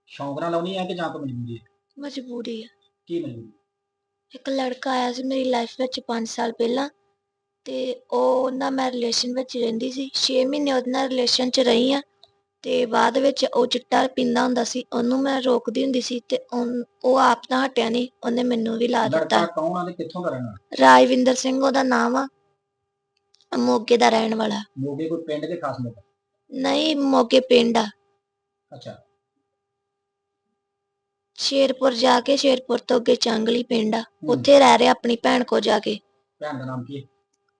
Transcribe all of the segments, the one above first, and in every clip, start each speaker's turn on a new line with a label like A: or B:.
A: ਸ਼ੌਂਕ ਨਾਲ ਲਾਉਣੀ ਹੈ ਕਿ ਜਾਂ ਕੋਈ ਮਜਬੂਰੀ ਹੈ?
B: ਮਜਬੂਰੀ ਆ।
A: ਕੀ ਮਜਬੂਰੀ?
B: ਇੱਕ ਲੜਕਾ ਆਇਆ ਸੀ ਮੇਰੀ ਲਾਈਫ ਵਿੱਚ 5 ਸਾਲ ਪਹਿਲਾਂ ਤੇ ਉਹ ਨਾਲ ਮੈਂ ਰਿਲੇਸ਼ਨ ਵਿੱਚ ਰਹਿੰਦੀ ਸੀ। 6 ਮਹੀਨੇ ਉਹਦੇ ਨਾਲ ਰਿਲੇਸ਼ਨ 'ਚ ਰਹੀ ਆ ਤੇ ਬਾਅਦ ਵਿੱਚ ਉਹ ਚਿੱਟਾ ਪੀਂਦਾ ਹੁੰਦਾ ਸੀ। ਉਹਨੂੰ ਮੈਂ ਰੋਕਦੀ ਹੁੰਦੀ ਸੀ ਤੇ ਉਹ ਆਪ ਤਾਂ ਹਟਿਆ ਨਹੀਂ, ਉਹਨੇ ਮੈਨੂੰ ਵੀ ਲਾ ਦਿੱਤਾ।
A: ਲੜਕਾ ਕੌਣ ਆ ਤੇ ਕਿੱਥੋਂ ਦਾ ਰਹਿਣਾ?
B: ਰਾਜਵਿੰਦਰ ਸਿੰਘ ਉਹਦਾ ਨਾਮ ਆ, ਮੋਗੇ ਦਾ ਰਹਿਣ ਵਾਲਾ।
A: ਮੋਗੇ ਕੋਈ ਪਿੰਡ ਦੇ ਖਾਸ ਲੋਕ?
B: ਨਹੀਂ, ਮੋਗੇ ਪਿੰਡ ਆ।
A: ਅੱਛਾ।
B: ਸ਼ੇਰਪੁਰ ਜਾ ਕੇ, ਸ਼ੇਰਪੁਰ ਤੋਂ ਅੱਗੇ ਚਾਂਗਲੀ ਪਿੰਡ ਆ, ਉੱਥੇ ਰਹਿ ਰਿਹਾ ਆਪਣੀ ਭੈਣ ਕੋ ਜਾ ਕੇ।
A: ਭੈਣ ਦਾ ਨਾਮ ਕੀ ਹੈ?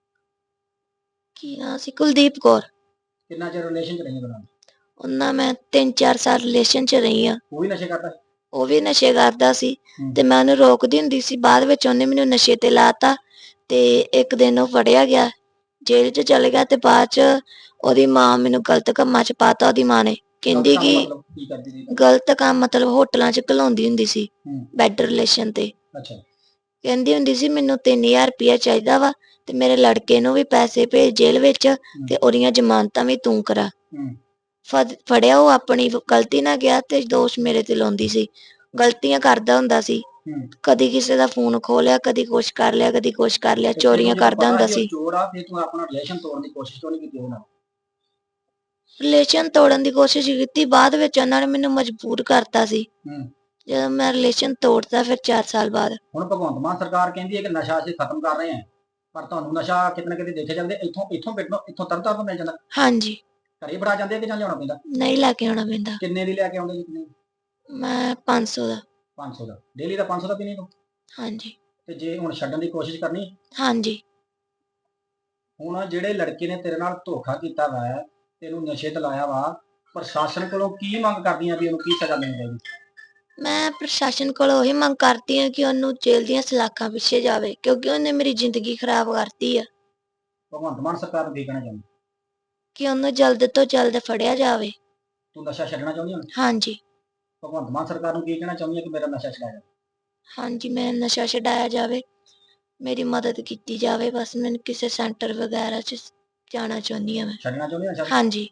B: ਕੀ ਨਾਂ ਸੀ? ਕੁਲਦੀਪ ਕੌਰ।
A: ਕਿੰਨਾ ਚਿਰ ਰਿਲੇਸ਼ਨ ਚ ਰਹੀ ਉਹਦੇ ਨਾਲ?
B: ਉਹਨਾਂ ਮੈਂ 3-4 ਸਾਲ ਰਿਲੇਸ਼ਨ 'ਚ ਰਹੀ ਆ।
A: ਉਹ ਵੀ ਨਸ਼ੇ ਕਰਦਾ?
B: ਉਹ ਵੀ ਨਸ਼ੇ ਕਰਦਾ ਸੀ ਤੇ ਮੈਂ ਉਹਨੂੰ ਰੋਕਦੀ ਹੁੰਦੀ ਸੀ। ਬਾਅਦ ਵਿੱਚ ਉਹਨੇ ਮੈਨੂੰ ਨਸ਼ੇ ਤੇ ਲਾਤਾ ਤੇ ਇੱਕ ਦਿਨ ਉਹ ਫੜਿਆ ਗਿਆ, ਜੇਲ੍ਹ 'ਚ ਚਲੇ ਗਿਆ ਤੇ ਬਾਅਦ 'ਚ ਉਹਦੀ ਮਾਂ ਮੈਨੂੰ ਗਲਤ ਕੰਮਾਂ 'ਚ ਪਾਤਾ। ਉਹਦੀ ਮਾਂ ਨੇ ਕਹਿੰਦੀ ਕਿ
A: ਮਤਲਬ ਕੀ ਕਰਦੀ ਸੀ?
B: ਗਲਤ ਕੰਮ ਮਤਲਬ ਹੋਟਲਾਂ 'ਚ ਘਲਾਉਂਦੀ ਹੁੰਦੀ ਸੀ, ਬੈਡ ਰਿਲੇਸ਼ਨ ਤੇ।
A: ਅੱਛਾ।
B: ਕਹਿੰਦੀ ਹੁੰਦੀ ਸੀ ਮੈਨੂੰ 3000 ਰੁਪਇਆ ਚਾਹੀਦਾ ਵਾ ਤੇ ਮੇਰੇ ਲੜਕੇ ਨੂੰ ਵੀ ਪੈਸੇ ਭੇਜ ਜੇਲ੍ਹ ਵਿੱਚ ਤੇ ਉਹਦੀਆਂ ਜ਼ਮਾਨਤਾਂ ਵੀ ਤੂੰ ਕਰਾ। ਫੜਿਆ ਉਹ ਆਪਣੀ ਗਲਤੀ ਨਾਲ ਗਿਆ ਤੇ ਦੋਸ਼ ਮੇਰੇ ਤੇ ਲਾਉਂਦੀ ਸੀ। ਗਲਤੀਆਂ ਕਰਦਾ ਹੁੰਦਾ ਸੀ, ਕਦੀ ਕਿਸੇ ਦਾ ਫੋਨ ਖੋਹ ਲਿਆ, ਕਦੀ ਕੁਛ ਕਰ ਲਿਆ, ਕਦੀ ਕੁਛ ਕਰ ਲਿਆ, ਚੋਰੀਆਂ ਕਰਦਾ ਹੁੰਦਾ ਸੀ।
A: ਚੋਰ ਆ ਤੇ ਤੂੰ ਆਪਣਾ ਰਿਲੇਸ਼ਨ ਤੋੜਨ ਦੀ ਕੋਸ਼ਿਸ਼ ਕਿਉਂ ਨਹੀਂ ਕੀਤੀ ਉਹਦੇ ਨਾਲ?
B: ਰਿਲੇਸ਼ਨ ਤੋੜਨ ਦੀ ਕੋਸ਼ਿਸ਼ ਕੀਤੀ, ਬਾਅਦ ਵਿੱਚ ਉਹਨਾਂ ਨੇ ਮੈਨੂੰ ਮਜਬੂਰ ਕਰਤਾ ਸੀ। ਜਦੋਂ ਮੈਂ ਰਿਲੇਸ਼ਨ ਤੋੜਤਾ ਫਿਰ 4 ਸਾਲ ਬਾਅਦ।
A: ਹੁਣ ਭਗਵੰਤ ਮਾਨ ਸਰਕਾਰ ਕਹਿੰਦੀ ਹੈ ਕਿ ਨਸ਼ਾ ਅਸੀਂ ਖਤਮ ਕਰ ਰਹੇ ਹਾਂ, ਪਰ ਤੁਹਾਨੂੰ ਨਸ਼ਾ ਕਿਤੇ ਨਾ ਕਿਤੇ ਦੇਖੇ ਜਾਂਦੇ ਇੱਥੋਂ ਤਰਨਤਾਰਨ ਤੋਂ ਮਿਲ ਜਾਂਦਾ?
B: ਹਾਂਜੀ।
A: ਘਰੇ ਫੜਾ ਜਾਂਦੇ ਕਿ ਜਾਂ ਲਿਆਉਣਾ ਪੈਂਦਾ?
B: ਨਹੀਂ ਲੈ ਕੇ ਆਉਣਾ ਪੈਂਦਾ।
A: ਕਿੰਨੇ ਦੀ ਲੈ ਕੇ ਆਉਂਦੇ ਜੀ?
B: ਮੈਂ 500 ਦਾ।
A: 500 ਦਾ ਡੇਲੀ ਦਾ? 500 ਦਾ ਪੀਣੀ ਤੂੰ?
B: ਹਾਂਜੀ।
A: ਤੇ ਜੇ ਹੁਣ ਛੱਡਣ ਦੀ ਕੋਸ਼ਿਸ਼ ਕਰਨੀ?
B: ਹਾਂਜੀ।
A: ਹੁਣ ਜਿਹੜੇ ਲੜਕੇ ਨੇ ਤੇਰੇ ਨਾਲ ਧੋਖਾ ਕੀਤਾ ਵਾ, ਤੈਨੂੰ ਨਸ਼ੇ ਤੇ ਲਾਇਆ ਵਾ, ਪ੍ਰਸ਼ਾਸਨ ਕੋਲੋਂ ਕੀ ਮੰਗ ਕਰਦੀਆਂ ਵੀ ਉਹਨੂੰ ਕੀ ਸਜ਼ਾ ਮਿਲਣੀ ਚਾਹੀਦੀ?
B: ਮੈਂ ਪ੍ਰਸ਼ਾਸਨ ਕੋਲੋਂ ਉਹੀ ਮੰਗ ਕਰਦੀ ਹਾਂ ਕਿ ਉਹਨੂੰ ਜੇਲ੍ਹ ਦੀਆਂ ਸਲਾਖਾਂ ਪਿੱਛੇ ਜਾਵੇ, ਕਿਉਂਕਿ ਉਹਨੇ ਮੇਰੀ ਜ਼ਿੰਦਗੀ ਖਰਾਬ ਕਰਤੀ ਆ।
A: ਭਗਵੰਤ ਮਾਨ ਸਰਕਾਰ ਨੂੰ ਕੀ ਕਹਿਣਾ ਚਾਹੁੰਦੀ?
B: ਕਿ ਉਹਨੂੰ ਜਲਦ ਤੋਂ ਜਲਦ ਫੜਿਆ ਜਾਵੇ।
A: ਤੂੰ ਨਸ਼ਾ ਛੱਡਣਾ ਚਾਹੁੰਦੀ ਹੁਣ?
B: ਹਾਂਜੀ।
A: ਭਗਵੰਤ ਮਾਨ ਸਰਕਾਰ ਨੂੰ ਕੀ ਕਹਿਣਾ ਚਾਹੁੰਦੀ ਹੈ ਕਿ ਮੇਰਾ ਨਸ਼ਾ ਛਡਾਇਆ ਜਾਵੇ?
B: ਹਾਂਜੀ, ਮੈਂ ਨਸ਼ਾ ਛਡਾਇਆ ਜਾਵੇ, ਮੇਰੀ ਮਦਦ ਕੀਤੀ ਜਾਵੇ। ਬਸ ਮੈਨੂੰ ਕਿਸੇ ਸੈਂਟਰ ਵਗੈਰਾ 'ਚ ਜਾਣਾ ਚਾਹੁੰਦੀ ਹਾਂ ਮੈਂ।
A: ਛੱਡਣਾ ਚਾਹੁੰਦੀ ਨਸ਼ਾ?
B: ਹਾਂਜੀ।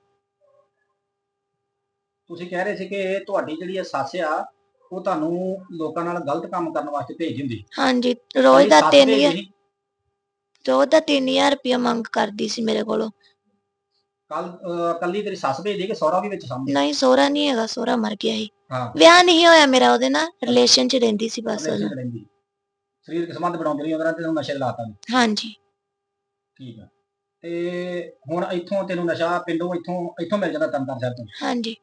A: ਤੁਸੀਂ ਕਹਿ ਰਹੇ ਸੀ ਕਿ ਤੁਹਾਡੀ ਜਿਹੜੀ ਸੱਸ ਆ ਉਹ ਤੁਹਾਨੂੰ ਲੋਕਾਂ ਨਾਲ ਗਲਤ ਕੰਮ ਕਰਨ ਵਾਸਤੇ ਭੇਜ ਦਿੰਦੀ?
B: ਹਾਂਜੀ, ਰੋਜ਼ ਦਾ
A: ਸੱਸ
B: 3000
A: ਭੇਜਦੀ?
B: ਰੋਜ਼ ਦਾ 3000 ਰੁਪਇਆ ਮੰਗ ਕਰਦੀ ਸੀ ਮੇਰੇ ਕੋਲੋਂ।
A: ਕੱਲੀ ਤੇਰੀ ਸੱਸ ਭੇਜਦੀ ਕਿ ਸਹੁਰਾ ਵੀ ਵਿੱਚ ਸਾਂਭਦੀ?
B: ਨਹੀਂ, ਸਹੁਰਾ ਨਹੀਂ ਹੈਗਾ, ਸਹੁਰਾ ਮਰ ਗਿਆ ਸੀ। ਵਿਆਹ ਨਹੀਂ ਹੋਇਆ ਮੇਰਾ ਉਹਦੇ ਨਾਲ, ਰਿਲੇਸ਼ਨ 'ਚ ਰਹਿੰਦੀ ਸੀ ਬਸ ਉਹਨੂੰ।
A: ਸਰੀਰਕ ਸੰਬੰਧ ਬਣਾਉਂਦੀ ਰਹੀ ਉਹਦੇ ਨਾਲ, ਤੈਨੂੰ ਨਸ਼ੇ ਲਾਤਾ?
B: ਹਾਂਜੀ।
A: ਠੀਕ ਆ। ਤੇ ਹੁਣ ਇੱਥੋਂ ਤੈਨੂੰ ਨਸ਼ਾ ਪਿੰਡੋਂ ਇੱਥੋਂ ਮਿਲ ਜਾਂਦਾ ਤਰਨਤਾਰਨ ਸਾਹਿਬ ਤੋਂ?
B: ਹਾਂਜੀ।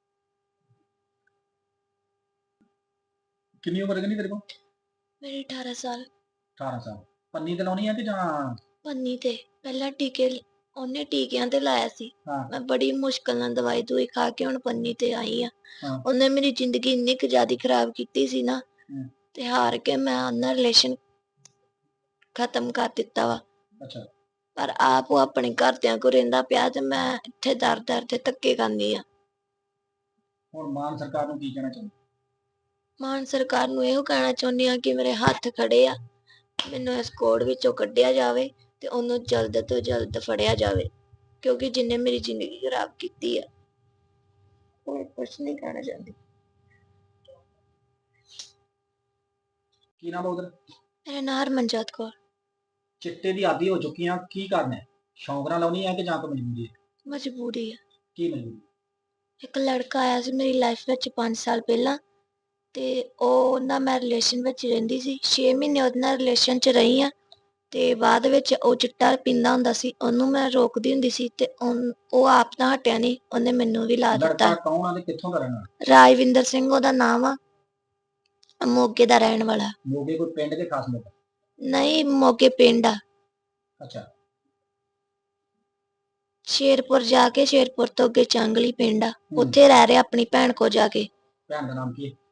A: ਕਿੰਨੀ ਉਮਰ ਕਿੰਨੀ ਤੇਰੇ ਕੋਲ?
B: ਮੇਰੀ 18 ਸਾਲ।
A: 18 ਸਾਲ। ਪੰਨੀ ਤੇ ਲਾਉਣੀ ਆ ਕਿ ਜਾਂ?
B: ਪੰਨੀ ਤੇ। ਪਹਿਲਾਂ ਟੀਕੇ ਉਹਨੇ ਟੀਕਿਆਂ ਤੇ ਲਾਇਆ ਸੀ। ਮੈਂ ਬੜੀ ਮੁਸ਼ਕਲ ਨਾਲ ਦਵਾਈ ਦੂਈ ਖਾ ਕੇ ਹੁਣ ਪੰਨੀ ਤੇ ਆਈ ਆ। ਉਹਨੇ ਮੇਰੀ ਜ਼ਿੰਦਗੀ ਇੰਨੀ ਕੁ ਜ਼ਿਆਦਾ ਖਰਾਬ ਕੀਤੀ ਸੀ ਨਾ, ਤੇ ਹਾਰ ਕੇ ਮੈਂ ਉਹਨਾਂ ਰਿਲੇਸ਼ਨ ਖਤਮ ਕਰ ਦਿੱਤਾ ਵਾ। ਪਰ ਆਪ ਉਹ ਆਪਣੇ ਘਰਦਿਆਂ ਕੋਲ ਰਹਿੰਦਾ ਪਿਆ ਤੇ ਮੈਂ ਇੱਥੇ ਦਰ ਤੇ ਧੱਕੇ ਖਾਂਦੀ ਆ।
A: ਹੁਣ ਮਾਨ ਸਰਕਾਰ ਨੂੰ ਕੀ ਕਹਿਣਾ ਚਾਹੁੰਦੀ?
B: ਮਾਨ ਸਰਕਾਰ ਨੂੰ ਇਹੋ ਕਹਿਣਾ ਚਾਹੁੰਦੀ ਆ ਕਿ ਮੇਰੇ ਹੱਥ ਖੜੇ ਆ, ਮੈਨੂੰ ਇਸ ਕੋੜ ਵਿੱਚੋਂ ਕੱਢਿਆ ਜਾਵੇ ਤੇ ਉਹਨੂੰ ਜਲਦ ਤੋਂ ਜਲਦ ਫੜਿਆ ਜਾਵੇ, ਕਿਉਂਕਿ ਜਿਹਨੇ ਮੇਰੀ ਜ਼ਿੰਦਗੀ ਖਰਾਬ ਕੀਤੀ ਆ। ਹੋਰ ਕੁਛ ਨਹੀਂ ਕਹਿਣਾ ਚਾਹੁੰਦੀ। ਕੀ ਨਾਮ ਉਹਦਾ? ਮੇਰਾ ਨਾਮ ਹਰਮਨਜੋਤ ਕੌਰ।
A: ਚਿੱਟੇ ਦੀ ਆਦੀ ਹੋ ਚੁੱਕੀ ਆ, ਕੀ ਕਰਨਾ? ਸ਼ੌਂਕ ਨਾਲ ਲਾਉਣੀ ਹੈ ਕਿ ਜਾਂ ਕੋਈ ਮਜਬੂਰੀ ਹੈ?
B: ਮਜਬੂਰੀ ਆ।
A: ਕੀ ਮਜਬੂਰੀ? ਇੱਕ
B: ਲੜਕਾ ਆਇਆ ਸੀ ਮੇਰੀ ਲਾਈਫ ਵਿੱਚ 5 ਸਾਲ ਪਹਿਲਾਂ ਤੇ ਉਹ ਨਾਲ ਮੈਂ ਰਿਲੇਸ਼ਨ ਵਿੱਚ ਰਹਿੰਦੀ ਸੀ। 6 ਮਹੀਨੇ ਉਹਦੇ ਨਾਲ ਰਿਲੇਸ਼ਨ 'ਚ ਰਹੀ ਆ ਤੇ ਬਾਅਦ ਵਿੱਚ ਉਹ ਚਿੱਟਾ ਪੀਂਦਾ ਹੁੰਦਾ ਸੀ। ਉਹਨੂੰ ਮੈਂ ਰੋਕਦੀ ਹੁੰਦੀ ਸੀ ਤੇ ਉਹ ਆਪ ਤਾਂ ਹਟਿਆ ਨਹੀਂ, ਉਹਨੇ ਮੈਨੂੰ ਵੀ ਲਾ ਦਿੱਤਾ।
A: ਲੜਕਾ ਕੌਣ ਆ ਤੇ ਕਿੱਥੋਂ ਦਾ ਰਹਿਣਾ?
B: ਰਾਜਵਿੰਦਰ ਸਿੰਘ ਉਹਦਾ ਨਾਮ ਆ, ਮੋਗੇ ਦਾ ਰਹਿਣ ਵਾਲਾ।
A: ਮੋਗੇ ਕੋਈ ਪਿੰਡ ਦੇ ਖਾਸ ਲੋਕ?
B: ਨਹੀਂ, ਮੋਗੇ ਪਿੰਡ ਆ।
A: ਅੱਛਾ।
B: ਸ਼ੇਰਪੁਰ ਜਾ ਕੇ, ਸ਼ੇਰਪੁਰ ਤੋਂ ਅੱਗੇ ਚਾਂਗਲੀ ਪਿੰਡ ਆ, ਉੱਥੇ ਰਹਿ ਰਿਹਾ ਆਪਣੀ ਭੈਣ ਕੋ ਜਾ ਕੇ।
A: ਭੈਣ ਦਾ ਨਾਮ ਕੀ ਹੈ?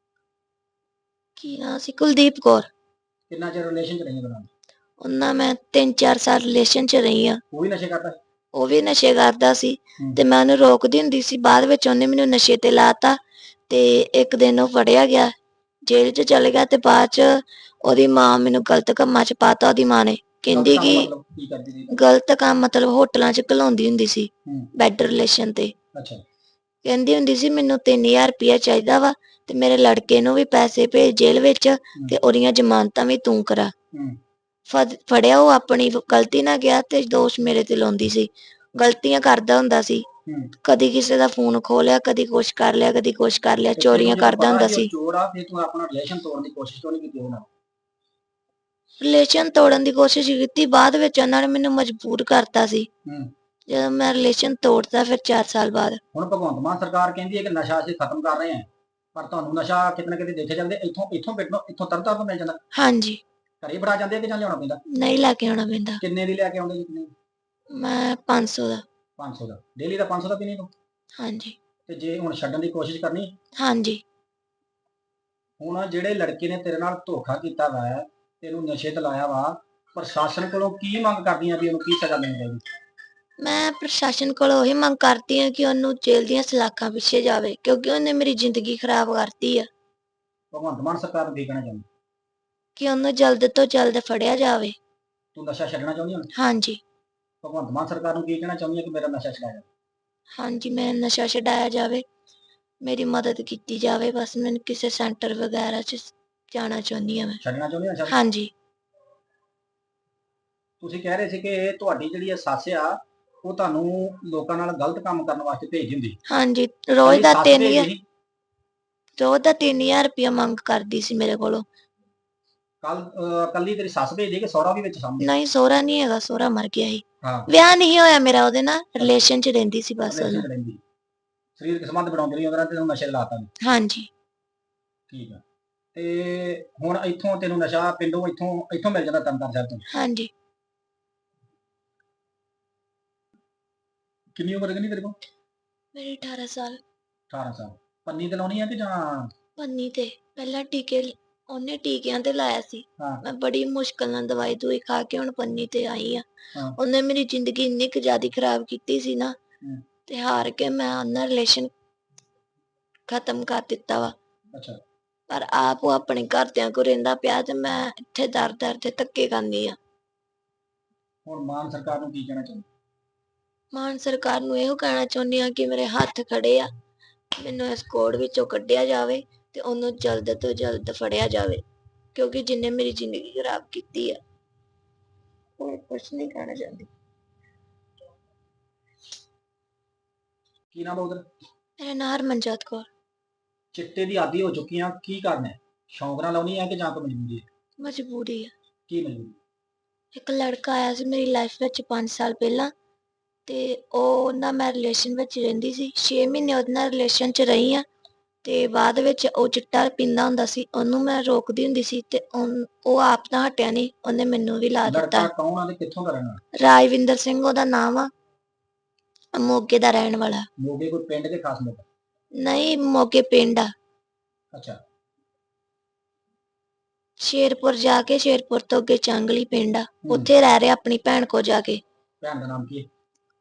B: ਕੀ ਨਾਂ ਸੀ? ਕੁਲਦੀਪ ਕੌਰ।
A: ਕਿੰਨਾ ਚਿਰ ਰਿਲੇਸ਼ਨ ਚ ਰਹੀ ਉਹਦੇ ਨਾਲ?
B: ਉਹਨਾਂ ਮੈਂ 3-4 ਸਾਲ ਰਿਲੇਸ਼ਨ 'ਚ ਰਹੀ ਆ।
A: ਉਹ ਵੀ ਨਸ਼ੇ ਕਰਦਾ?
B: ਉਹ ਵੀ ਨਸ਼ੇ ਕਰਦਾ ਸੀ ਤੇ ਮੈਂ ਉਹਨੂੰ ਰੋਕਦੀ ਹੁੰਦੀ ਸੀ। ਬਾਅਦ ਵਿੱਚ ਉਹਨੇ ਮੈਨੂੰ ਨਸ਼ੇ ਤੇ ਲਾਤਾ ਤੇ ਇੱਕ ਦਿਨ ਉਹ ਫੜਿਆ ਗਿਆ, ਜੇਲ੍ਹ 'ਚ ਚਲੇ ਗਿਆ ਤੇ ਬਾਅਦ 'ਚ ਉਹਦੀ ਮਾਂ ਮੈਨੂੰ ਗਲਤ ਕੰਮਾਂ 'ਚ ਪਾਤਾ। ਉਹਦੀ ਮਾਂ ਨੇ ਕਹਿੰਦੀ ਕਿ ਗਲਤ ਕੰਮ ਮਤਲਬ ਹੋਟਲਾਂ 'ਚ ਘਲਾਉਂਦੀ ਹੁੰਦੀ ਸੀ, ਬੈਡ ਰਿਲੇਸ਼ਨ ਤੇ। ਕਹਿੰਦੀ ਹੁੰਦੀ ਸੀ ਮੈਨੂੰ 3000 ਰੁਪਇਆ ਚਾਹੀਦਾ ਵਾ ਤੇ ਮੇਰੇ ਲੜਕੇ ਨੂੰ ਵੀ ਪੈਸੇ ਭੇਜ ਜੇਲ੍ਹ ਵਿੱਚ ਤੇ ਉਹਦੀਆਂ ਜ਼ਮਾਨਤਾਂ ਵੀ ਤੂੰ ਕਰਾ। ਫੜਿਆ ਉਹ ਆਪਣੀ ਗਲਤੀ ਨਾਲ ਗਿਆ ਤੇ ਦੋਸ਼ ਮੇਰੇ ਤੇ ਲਾਉਂਦੀ ਸੀ। ਗਲਤੀਆਂ ਕਰਦਾ ਹੁੰਦਾ ਸੀ। ਕਦੀ ਕਿਸੇ ਦਾ ਫੋਨ ਖੋਹ ਲਿਆ, ਕਦੀ ਕੁਛ ਕਰ ਲਿਆ, ਕਦੀ ਕੁਛ ਕਰ ਲਿਆ, ਚੋਰੀਆਂ ਕਰਦਾ ਹੁੰਦਾ ਸੀ। ਰਿਲੇਸ਼ਨ ਤੋੜਨ ਦੀ ਕੋਸ਼ਿਸ਼ ਕੀਤੀ, ਬਾਅਦ ਵਿੱਚ ਉਹਨਾਂ ਨੇ ਮੈਨੂੰ ਮਜਬੂਰ ਕਰਤਾ ਸੀ। ਜਦੋਂ ਮੈਂ ਰਿਲੇਸ਼ਨ ਤੋੜਤਾ ਫਿਰ 4 ਸਾਲ ਬਾਅਦ।
A: ਹੁਣ ਭਗਵੰਤ ਮਾਨ ਸਰਕਾਰ ਕਹਿੰਦੀ ਹੈ ਕਿ ਨਸ਼ਾ ਅਸੀਂ ਖਤਮ ਕਰ ਰਹੇ ਹਾਂ, ਪਰ ਤੁਹਾਨੂੰ ਨਸ਼ਾ ਕਿਤੇ ਨਾ ਕਿਤੇ ਦੇਖੇ ਜਾਂਦੇ ਇੱਥੋਂ ਤਰਨਤਾਰਨ ਤੋਂ ਮਿਲ ਜਾਂਦਾ।
B: ਹਾਂਜੀ।
A: ਘਰੇ ਬੜਾ ਜਾਂਦੇ ਕਿ ਜਾਂ ਲਿਆਉਣਾ ਪੈਂਦਾ?
B: ਨਹੀਂ ਲੈ ਕੇ ਆਉਣਾ ਪੈਂਦਾ।
A: ਕਿੰਨੇ ਦੀ ਲੈ ਕੇ ਆਉਂਦੇ ਜੀ?
B: ਮੈਂ 500 ਦਾ।
A: 500 ਦਾ ਡੇਲੀ ਦਾ 500 ਦਾ ਪੀਣੀ ਤੂੰ?
B: ਹਾਂਜੀ।
A: ਤੇ ਜੇ ਹੁਣ ਛੱਡਣ ਦੀ ਕੋਸ਼ਿਸ਼ ਕਰਨੀ?
B: ਹਾਂਜੀ।
A: ਹੁਣ ਜਿਹੜੇ ਲੜਕੇ ਨੇ ਤੇਰੇ ਨਾਲ ਧੋਖਾ ਕੀਤਾ ਵਾ, ਤੈਨੂੰ ਨਸ਼ੇ ਤੇ ਲਾਇਆ ਵਾ, ਪ੍ਰਸ਼ਾਸਨ ਕੋਲੋਂ ਕੀ ਮੰਗ ਕਰਦੀਆਂ ਵੀ ਉਹਨੂੰ ਕੀ ਸਜ਼ਾ ਦੇਣੀ ਚਾਹੀਦੀ?
B: ਮੈਂ ਪ੍ਰਸ਼ਾਸਨ ਕੋਲੋਂ ਇਹ ਮੰਗ ਕਰਦੀ ਹਾਂ ਕਿ ਉਹਨੂੰ ਜੇਲ੍ਹ ਦੀਆਂ ਸਲਾਖਾਂ ਪਿੱਛੇ ਜਾਵੇ, ਕਿਉਂਕਿ ਉਹਨੇ ਮੇਰੀ ਜ਼ਿੰਦਗੀ ਖਰਾਬ ਕਰਤੀ ਆ।
A: ਭਗਵੰਤ ਮਾਨ ਸਰਕਾਰ ਨੂੰ ਕੀ ਕਹਿਣਾ ਚਾਹੁੰਦੀ?
B: ਕਿ ਉਹਨੂੰ ਜਲਦ ਤੋਂ ਜਲਦ ਫੜਿਆ ਜਾਵੇ।
A: ਤੂੰ ਨਸ਼ਾ ਛੱਡਣਾ ਚਾਹੁੰਦੀ ਹੁਣ?
B: ਹਾਂਜੀ।
A: ਭਗਵੰਤ ਮਾਨ ਸਰਕਾਰ ਨੂੰ ਕੀ ਕਹਿਣਾ ਚਾਹੁੰਦੀ ਹੈ ਕਿ ਮੇਰਾ ਨਸ਼ਾ ਛੁਡਾਇਆ ਜਾਵੇ?
B: ਹਾਂਜੀ, ਮੈਂ ਨਸ਼ਾ ਛਡਾਇਆ ਜਾਵੇ, ਮੇਰੀ ਮਦਦ ਕੀਤੀ ਜਾਵੇ। ਬਸ ਮੈਨੂੰ ਕਿਸੇ ਸੈਂਟਰ ਵਗੈਰਾ 'ਚ ਜਾਣਾ ਚਾਹੁੰਦੀ ਹਾਂ ਮੈਂ।
A: ਛੱਡਣਾ ਚਾਹੁੰਦੀ ਨਸ਼ਾ?
B: ਹਾਂਜੀ।
A: ਤੁਸੀਂ ਕਹਿ ਰਹੇ ਸੀ ਕਿ ਤੁਹਾਡੀ ਜਿਹੜੀ ਇਹ ਸੱਸ ਆ, ਉਹ ਤੁਹਾਨੂੰ ਲੋਕਾਂ ਨਾਲ ਗਲਤ ਕੰਮ ਕਰਨ ਵਾਸਤੇ ਭੇਜ ਦਿੰਦੀ।
B: ਹਾਂਜੀ, ਰੋਜ਼ ਦਾ
A: ਸੱਸ
B: 3000
A: ਭੇਜਦੀ ਸੀ?
B: ਰੋਜ਼ ਦਾ 3000 ਰੁਪਇਆ ਮੰਗ ਕਰਦੀ ਸੀ ਮੇਰੇ ਕੋਲੋਂ।
A: ਕੱਲੀ ਤੇਰੀ ਸੱਸ ਭੇਜਦੀ ਕਿ ਸਹੁਰਾ ਵੀ ਵਿੱਚ ਸਾਹਮਣੇ?
B: ਨਹੀਂ, ਸਹੁਰਾ ਨਹੀਂ ਹੈਗਾ, ਸਹੁਰਾ ਮਰ ਗਿਆ ਸੀ।
A: ਹਾਂ।
B: ਵਿਆਹ ਨਹੀਂ ਹੋਇਆ ਮੇਰਾ ਉਹਦੇ ਨਾਲ, ਰਿਲੇਸ਼ਨ 'ਚ ਰਹਿੰਦੀ ਸੀ ਬਸ
A: ਰਿਲੇਸ਼ਨ
B: ਉਹਨੂੰ।
A: ਚ ਰਹਿੰਦੀ, ਸਰੀਰਕ ਸੰਬੰਧ ਬਣਾਉਂਦੀ ਰਹੀ ਉਹਦੇ ਨਾਲ ਤੇ ਤੈਨੂੰ ਨਸ਼ੇ ਲਾਤਾ ਨੇ।
B: ਹਾਂਜੀ।
A: ਠੀਕ ਆ। ਤੇ ਹੁਣ ਇੱਥੋਂ ਤੈਨੂੰ ਨਸ਼ਾ ਪਿੰਡੋਂ ਇੱਥੋਂ ਮਿਲ ਜਾਂਦਾ ਤਰਨਤਾਰਨ ਸਾਹਿਬ ਤੋਂ?
B: ਹਾਂਜੀ।
A: ਕਿੰਨੀ ਉਮਰ ਕਿੰਨੀ ਤੇਰੇ ਕੋਲ?
B: ਮੇਰੀ 18 ਸਾਲ।
A: 18 ਸਾਲ। ਪੰਨੀ ਤੇ ਲਾਉਣੀ ਆ ਕਿ ਜਾਂ?
B: ਪੰਨੀ ਤੇ ਪਹਿਲਾਂ ਉਹਨੇ ਟੀਕਿਆਂ ਤੇ ਲਾਇਆ ਸੀ।
A: ਹਾਂ।
B: ਮੈਂ ਬੜੀ ਮੁਸ਼ਕਲ ਨਾਲ ਦਵਾਈ ਦੂਈ ਖਾ ਕੇ ਹੁਣ ਪੰਨੀ ਤੇ ਆਈ ਆ।
A: ਹਾਂ।
B: ਉਹਨੇ ਮੇਰੀ ਜ਼ਿੰਦਗੀ ਇੰਨੀ ਕੁ ਜ਼ਿਆਦਾ ਖਰਾਬ ਕੀਤੀ ਸੀ ਨਾ, ਤੇ ਹਾਰ ਕੇ ਮੈਂ ਉਹਨਾਂ ਰਿਲੇਸ਼ਨ ਖਤਮ ਕਰ ਦਿੱਤਾ ਵਾ।
A: ਅੱਛਾ।
B: ਪਰ ਆਪ ਉਹ ਆਪਣੇ ਘਰਦਿਆਂ ਕੋਲ ਰਹਿੰਦਾ ਪਿਆ ਤੇ ਮੈਂ ਇੱਥੇ ਦਰ-ਦਰ ਤੇ ਧੱਕੇ ਖਾਂਦੀ ਆ।
A: ਹੁਣ ਮਾਨ ਸਰਕਾਰ ਨੂੰ ਕੀ ਕਹਿਣਾ ਚਾਹੁੰਦੀ?
B: ਮਾਨ ਸਰਕਾਰ ਨੂੰ ਇਹੋ ਕਹਿਣਾ ਚਾਹੁੰਦੀ ਆ ਕਿ ਮੇਰੇ ਹੱਥ ਖੜੇ ਆ, ਮੈਨੂੰ ਇਸ ਕੋੜ ਵਿੱਚੋਂ ਕੱਢਿਆ ਜਾਵੇ ਤੇ ਉਹਨੂੰ ਜਲਦ ਤੋਂ ਜਲਦ ਫੜਿਆ ਜਾਵੇ, ਕਿਉਂਕਿ ਜਿਹਨੇ ਮੇਰੀ ਜ਼ਿੰਦਗੀ ਖਰਾਬ ਕੀਤੀ ਆ। ਹੋਰ ਕੁਛ ਨਹੀਂ ਕਹਿਣਾ ਚਾਹੁੰਦੀ।
A: ਕੀ ਨਾਮ ਉਹਦਾ?
B: ਮੇਰਾ ਨਾਂ ਹਰਮਨਜੋਤ ਕੌਰ।
A: ਚਿੱਟੇ ਦੀ ਆਦੀ ਹੋ ਚੁੱਕੀ ਆ, ਕੀ ਕਰਨਾ? ਸ਼ੌਂਕ ਨਾਲ ਲਾਉਣੀ ਆ ਕਿ ਜਾਂ ਕੋਈ ਮਜਬੂਰੀ ਹੈ?
B: ਮਜਬੂਰੀ ਆ।
A: ਕੀ ਮਜਬੂਰੀ?
B: ਇੱਕ ਲੜਕਾ ਆਇਆ ਸੀ ਮੇਰੀ ਲਾਈਫ ਵਿੱਚ 5 ਸਾਲ ਪਹਿਲਾਂ, ਤੇ ਉਹ ਨਾਲ ਮੈਂ ਰਿਲੇਸ਼ਨ ਵਿੱਚ ਰਹਿੰਦੀ ਸੀ। 6 ਮਹੀਨੇ ਉਹਦੇ ਨਾਲ ਰਿਲੇਸ਼ਨ 'ਚ ਰਹੀ ਆ, ਤੇ ਬਾਅਦ ਵਿੱਚ ਉਹ ਚਿੱਟਾ ਪੀਂਦਾ ਹੁੰਦਾ ਸੀ। ਉਹਨੂੰ ਮੈਂ ਰੋਕਦੀ ਹੁੰਦੀ ਸੀ ਤੇ ਉਹ ਆਪ ਤਾਂ ਹਟਿਆ ਨਹੀਂ, ਉਹਨੇ ਮੈਨੂੰ ਵੀ ਲਾ ਦਿੱਤਾ।
A: ਲੜਕਾ ਕੌਣ ਆ ਤੇ ਕਿੱਥੋਂ ਦਾ ਰਹਿਣਾ?
B: ਰਾਜਵਿੰਦਰ ਸਿੰਘ ਉਹਦਾ ਨਾਮ ਆ, ਮੋਗੇ ਦਾ ਰਹਿਣ ਵਾਲਾ।
A: ਮੋਗੇ ਕੋਈ ਪਿੰਡ ਦੇ ਖਾਸ ਲੋਕ?
B: ਨਹੀਂ, ਮੋਗੇ ਪਿੰਡ ਆ।
A: ਅੱਛਾ।
B: ਸ਼ੇਰਪੁਰ ਜਾ ਕੇ, ਸ਼ੇਰਪੁਰ ਤੋਂ ਅੱਗੇ ਚਾਂਗਲੀ ਪਿੰਡ ਆ, ਉੱਥੇ ਰਹਿ ਰਿਹਾ ਆਪਣੀ ਭੈਣ ਕੋਲ ਜਾ ਕੇ।
A: ਭੈਣ ਦਾ ਨਾਮ ਕੀ ਹੈ?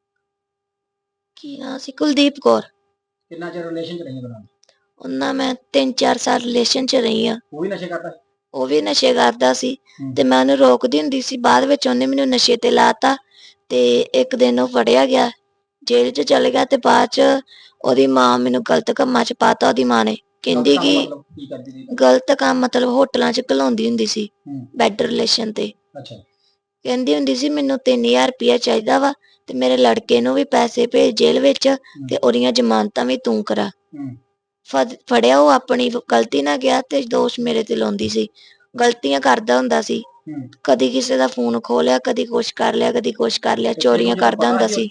B: ਕੀ ਨਾਂ ਸੀ? ਕੁਲਦੀਪ ਕੌਰ।
A: ਕਿੰਨਾ ਚਿਰ ਰਿਲੇਸ਼ਨ ਚ ਰਹੀ ਉਹਦੇ ਨਾਲ?
B: ਉਹਨਾਂ ਮੈਂ 3-4 ਸਾਲ ਰਿਲੇਸ਼ਨ 'ਚ ਰਹੀ ਆ।
A: ਉਹ ਵੀ ਨਸ਼ੇ ਕਰਦਾ?
B: ਉਹ ਵੀ ਨਸ਼ੇ ਕਰਦਾ ਸੀ ਤੇ ਮੈਂ ਉਹਨੂੰ ਰੋਕਦੀ ਹੁੰਦੀ ਸੀ। ਬਾਅਦ ਵਿੱਚ ਉਹਨੇ ਮੈਨੂੰ ਨਸ਼ੇ ਤੇ ਲਾਤਾ ਤੇ ਇੱਕ ਦਿਨ ਉਹ ਫੜਿਆ ਗਿਆ, ਜੇਲ੍ਹ 'ਚ ਚਲੇ ਗਿਆ ਤੇ ਬਾਅਦ 'ਚ ਉਹਦੀ ਮਾਂ ਮੈਨੂੰ ਗਲਤ ਕੰਮਾਂ 'ਚ ਪਾਤਾ। ਉਹਦੀ ਮਾਂ ਨੇ ਕਹਿੰਦੀ ਕਿ ਗਲਤ ਕੰਮ ਮਤਲਬ ਹੋਟਲਾਂ 'ਚ ਘਲਾਉਂਦੀ ਹੁੰਦੀ ਸੀ, ਬੈਡ ਰਿਲੇਸ਼ਨ ਤੇ।
A: ਅੱਛਾ।
B: ਕਹਿੰਦੀ ਹੁੰਦੀ ਸੀ ਮੈਨੂੰ 3000 ਰੁਪਇਆ ਚਾਹੀਦਾ ਵਾ ਤੇ ਮੇਰੇ ਲੜਕੇ ਨੂੰ ਵੀ ਪੈਸੇ ਭੇਜ ਜੇਲ੍ਹ ਵਿੱਚ ਤੇ ਉਹਦੀਆਂ ਜ਼ਮਾਨਤਾਂ ਵੀ ਤੂੰ ਕਰਾ। ਫੜਿਆ ਉਹ ਆਪਣੀ ਗਲਤੀ ਨਾਲ ਗਿਆ ਤੇ ਦੋਸ਼ ਮੇਰੇ ਤੇ ਲਾਉਂਦੀ ਸੀ। ਗਲਤੀਆਂ ਕਰਦਾ ਹੁੰਦਾ ਸੀ। ਕਦੀ ਕਿਸੇ ਦਾ ਫੋਨ ਖੋਹ ਲਿਆ, ਕਦੀ ਕੁਛ ਕਰ ਲਿਆ, ਕਦੀ ਕੁਛ ਕਰ ਲਿਆ, ਚੋਰੀਆਂ ਕਰਦਾ ਹੁੰਦਾ ਸੀ।